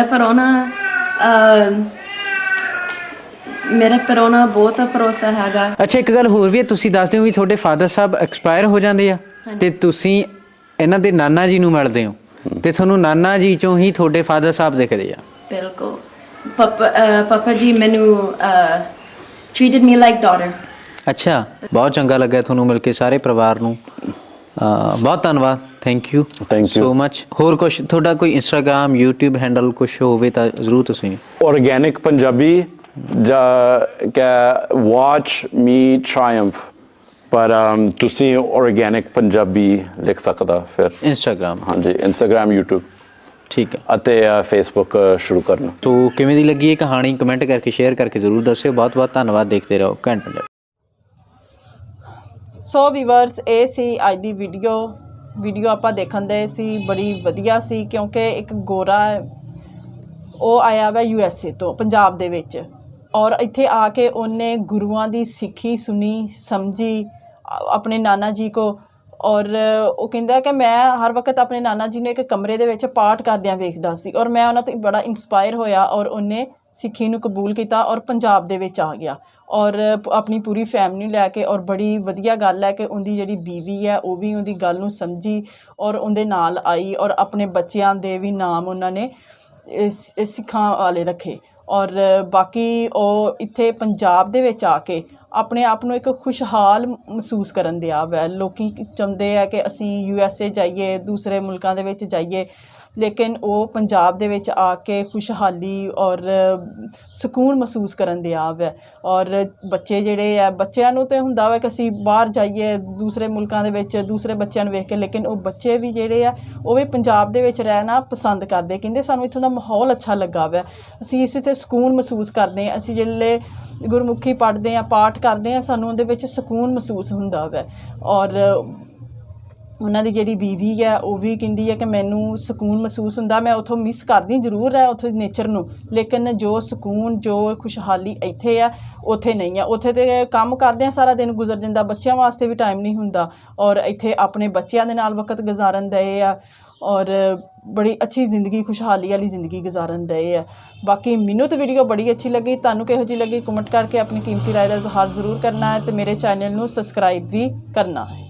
S5: ਪਰੋਣਾ ਬਹੁਤ ਭਰੋਸਾ ਹੈਗਾ।
S2: ਅੱਛਾ, ਇੱਕ ਗੱਲ ਹੋਰ ਵੀ ਹੈ, ਤੁਸੀਂ ਦੱਸਦੇ ਹੋ ਵੀ ਤੁਹਾਡੇ ਫਾਦਰ ਸਾਹਿਬ ਐਕਸਪਾਇਰ ਹੋ ਜਾਂਦੇ ਆ ਤੇ ਤੁਸੀਂ ਇਹਨਾਂ ਦੇ ਨਾਨਾ ਜੀ ਨੂੰ ਮਿਲਦੇ ਹੋ ਤੇ ਤੁਹਾਨੂੰ ਨਾਨਾ ਜੀ ਚੋਂ ਹੀ ਤੁਹਾਡੇ ਫਾਦਰ ਸਾਹਿਬ ਦਿਖਦੇ ਆ?
S5: ਬਿਲਕੁਲ। ਪਾਪਾ ਜੀ ਮੈਨੂੰ treated me like daughter।
S2: ਅੱਛਾ, ਬਹੁਤ ਚੰਗਾ ਲੱਗਾ ਤੁਹਾਨੂੰ ਮਿਲ ਕੇ ਸਾਰੇ ਪਰਿਵਾਰ ਨੂੰ। ਬਹੁਤ ਧੰਨਵਾਦ। Thank you so much. ਹੋਰ ਕੁਝ ਤੁਹਾਡਾ ਕੋਈ ਇੰਸਟਾਗ੍ਰਾਮ, YouTube ਹੈਂਡਲ ਕੁਝ ਹੋਵੇ ਤਾਂ ਜ਼ਰੂਰ ਤੁਸੀਂ।
S3: ਆਰਗੈਨਿਕ ਪੰਜਾਬੀ ਜਾਂ ਵਾਚ ਮੀ ਟ੍ਰਾਇੰਫ, ਪਰ ਤੁਸੀਂ ਆਰਗੈਨਿਕ ਪੰਜਾਬੀ ਲਿਖ ਸਕਦਾ ਫਿਰ
S2: ਇੰਸਟਾਗ੍ਰਾਮ।
S3: ਹਾਂਜੀ, ਇੰਸਟਾਗ੍ਰਾਮ, YouTube
S2: ਠੀਕ ਹੈ, ਅਤੇ
S3: ਫੇਸਬੁੱਕ ਸ਼ੁਰੂ ਕਰਨਾ।
S2: ਤੋ ਕਿਵੇਂ ਦੀ ਲੱਗੀ ਇਹ ਕਹਾਣੀ ਕਮੈਂਟ ਕਰਕੇ ਸ਼ੇਅਰ ਕਰਕੇ ਜ਼ਰੂਰ ਦੱਸਿਓ। ਬਹੁਤ ਬਹੁਤ ਧੰਨਵਾਦ। ਦੇਖਦੇ ਰਹੋ ਘੈਂਟ ਪੰਜਾਬ।
S1: ਸੋ ਵੀਵਰਸ, ਇਹ ਸੀ ਅੱਜ ਦੀ ਵੀਡੀਓ ਆਪਾਂ ਦੇਖਣ ਦੇ ਸੀ। ਬੜੀ ਵਧੀਆ ਸੀ ਕਿਉਂਕਿ ਇੱਕ ਗੋਰਾ ਉਹ ਆਇਆ ਵਾ USA ਤੋਂ ਪੰਜਾਬ ਦੇ ਵਿੱਚ, ਔਰ ਇੱਥੇ ਆ ਕੇ ਉਹਨੇ ਗੁਰੂਆਂ ਦੀ ਸਿੱਖੀ ਸੁਣੀ, ਸਮਝੀ ਆਪਣੇ ਨਾਨਾ ਜੀ ਕੋ। ਔਰ ਉਹ ਕਹਿੰਦਾ ਕਿ ਮੈਂ ਹਰ ਵਕਤ ਆਪਣੇ ਨਾਨਾ ਜੀ ਨੂੰ ਇੱਕ ਕਮਰੇ ਦੇ ਵਿੱਚ ਪਾਠ ਕਰਦਿਆਂ ਵੇਖਦਾ ਸੀ, ਔਰ ਮੈਂ ਉਹਨਾਂ ਤੋਂ ਬੜਾ ਇੰਸਪਾਇਰ ਹੋਇਆ, ਔਰ ਉਹਨੇ ਸਿੱਖੀ ਨੂੰ ਕਬੂਲ ਕੀਤਾ ਔਰ ਪੰਜਾਬ ਦੇ ਵਿੱਚ ਆ ਗਿਆ, ਔਰ ਆਪਣੀ ਪੂਰੀ ਫੈਮਿਲੀ ਲੈ ਕੇ। ਔਰ ਬੜੀ ਵਧੀਆ ਗੱਲ ਹੈ ਕਿ ਉਹਦੀ ਜਿਹੜੀ ਬੀਵੀ ਹੈ ਉਹ ਵੀ ਉਹਦੀ ਗੱਲ ਨੂੰ ਸਮਝੀ ਔਰ ਉਹਦੇ ਨਾਲ ਆਈ, ਔਰ ਆਪਣੇ ਬੱਚਿਆਂ ਦੇ ਵੀ ਨਾਮ ਉਹਨਾਂ ਨੇ ਸਿੱਖਾਂ ਵਾਲੇ ਰੱਖੇ। ਔਰ ਬਾਕੀ ਉਹ ਇੱਥੇ ਪੰਜਾਬ ਦੇ ਵਿੱਚ ਆ ਕੇ ਆਪਣੇ ਆਪ ਨੂੰ ਇੱਕ ਖੁਸ਼ਹਾਲ ਮਹਿਸੂਸ ਕਰਨ ਦਿਆ ਵੈ। ਲੋਕ ਚਾਹੁੰਦੇ ਆ ਕਿ ਅਸੀਂ USA ਜਾਈਏ, ਦੂਸਰੇ ਮੁਲਕਾਂ ਦੇ ਵਿੱਚ ਜਾਈਏ, ਲੇਕਿਨ ਉਹ ਪੰਜਾਬ ਦੇ ਵਿੱਚ ਆ ਕੇ ਖੁਸ਼ਹਾਲੀ ਔਰ ਸਕੂਨ ਮਹਿਸੂਸ ਕਰਨ ਦਿਆ ਵੈ। ਔਰ ਬੱਚੇ ਜਿਹੜੇ ਆ, ਬੱਚਿਆਂ ਨੂੰ ਤਾਂ ਹੁੰਦਾ ਵਾ ਕਿ ਅਸੀਂ ਬਾਹਰ ਜਾਈਏ ਦੂਸਰੇ ਮੁਲਕਾਂ ਦੇ ਵਿੱਚ ਦੂਸਰੇ ਬੱਚਿਆਂ ਨੂੰ ਵੇਖ ਕੇ, ਲੇਕਿਨ ਉਹ ਬੱਚੇ ਵੀ ਜਿਹੜੇ ਆ ਉਹ ਵੀ ਪੰਜਾਬ ਦੇ ਵਿੱਚ ਰਹਿਣਾ ਪਸੰਦ ਕਰਦੇ। ਕਹਿੰਦੇ ਸਾਨੂੰ ਇੱਥੋਂ ਦਾ ਮਾਹੌਲ ਅੱਛਾ ਲੱਗਾ ਵੈ, ਅਸੀਂ ਇਸੇ 'ਤੇ ਸਕੂਨ ਮਹਿਸੂਸ ਕਰਦੇ ਹਾਂ। ਅਸੀਂ ਜਿਹੜੇ ਗੁਰਮੁਖੀ ਪੜ੍ਹਦੇ ਹਾਂ, ਪਾਠ ਕਰਦੇ ਹਾਂ, ਸਾਨੂੰ ਉਹਦੇ ਵਿੱਚ ਸਕੂਨ ਮਹਿਸੂਸ ਹੁੰਦਾ ਵੈ। ਔਰ ਉਹਨਾਂ ਦੀ ਜਿਹੜੀ ਬੀਵੀ ਹੈ ਉਹ ਵੀ ਕਹਿੰਦੀ ਹੈ ਕਿ ਮੈਨੂੰ ਸਕੂਨ ਮਹਿਸੂਸ ਹੁੰਦਾ। ਮੈਂ ਉੱਥੋਂ ਮਿਸ ਕਰਦੀ ਜ਼ਰੂਰ ਹੈ ਉੱਥੋਂ ਦੀ ਨੇਚਰ ਨੂੰ, ਲੇਕਿਨ ਜੋ ਸਕੂਨ, ਜੋ ਖੁਸ਼ਹਾਲੀ ਇੱਥੇ ਆ ਉੱਥੇ ਨਹੀਂ ਆ। ਉੱਥੇ ਤਾਂ ਕੰਮ ਕਰਦੇ ਆ ਸਾਰਾ ਦਿਨ ਗੁਜ਼ਰ ਜਾਂਦਾ, ਬੱਚਿਆਂ ਵਾਸਤੇ ਵੀ ਟਾਈਮ ਨਹੀਂ ਹੁੰਦਾ, ਔਰ ਇੱਥੇ ਆਪਣੇ ਬੱਚਿਆਂ ਦੇ ਨਾਲ ਵਕਤ ਗੁਜ਼ਾਰਨ ਦਏ ਆ, ਔਰ ਬੜੀ ਅੱਛੀ ਜ਼ਿੰਦਗੀ, ਖੁਸ਼ਹਾਲੀ ਵਾਲੀ ਜ਼ਿੰਦਗੀ ਗੁਜ਼ਾਰਨ ਦਏ ਆ। ਬਾਕੀ ਮੈਨੂੰ ਤਾਂ ਵੀਡੀਓ ਬੜੀ ਅੱਛੀ ਲੱਗੀ। ਤੁਹਾਨੂੰ ਕਿਹੋ ਜਿਹੀ ਲੱਗੀ ਕਮੈਂਟ ਕਰਕੇ ਆਪਣੀ ਕੀਮਤੀ ਰਾਏ ਦਾ ਇਜ਼ਹਾਰ ਜ਼ਰੂਰ ਕਰਨਾ ਹੈ, ਅਤੇ ਮੇਰੇ ਚੈਨਲ ਨੂੰ ਸਬਸਕ੍ਰਾਈਬ ਵੀ ਕਰਨਾ ਹੈ।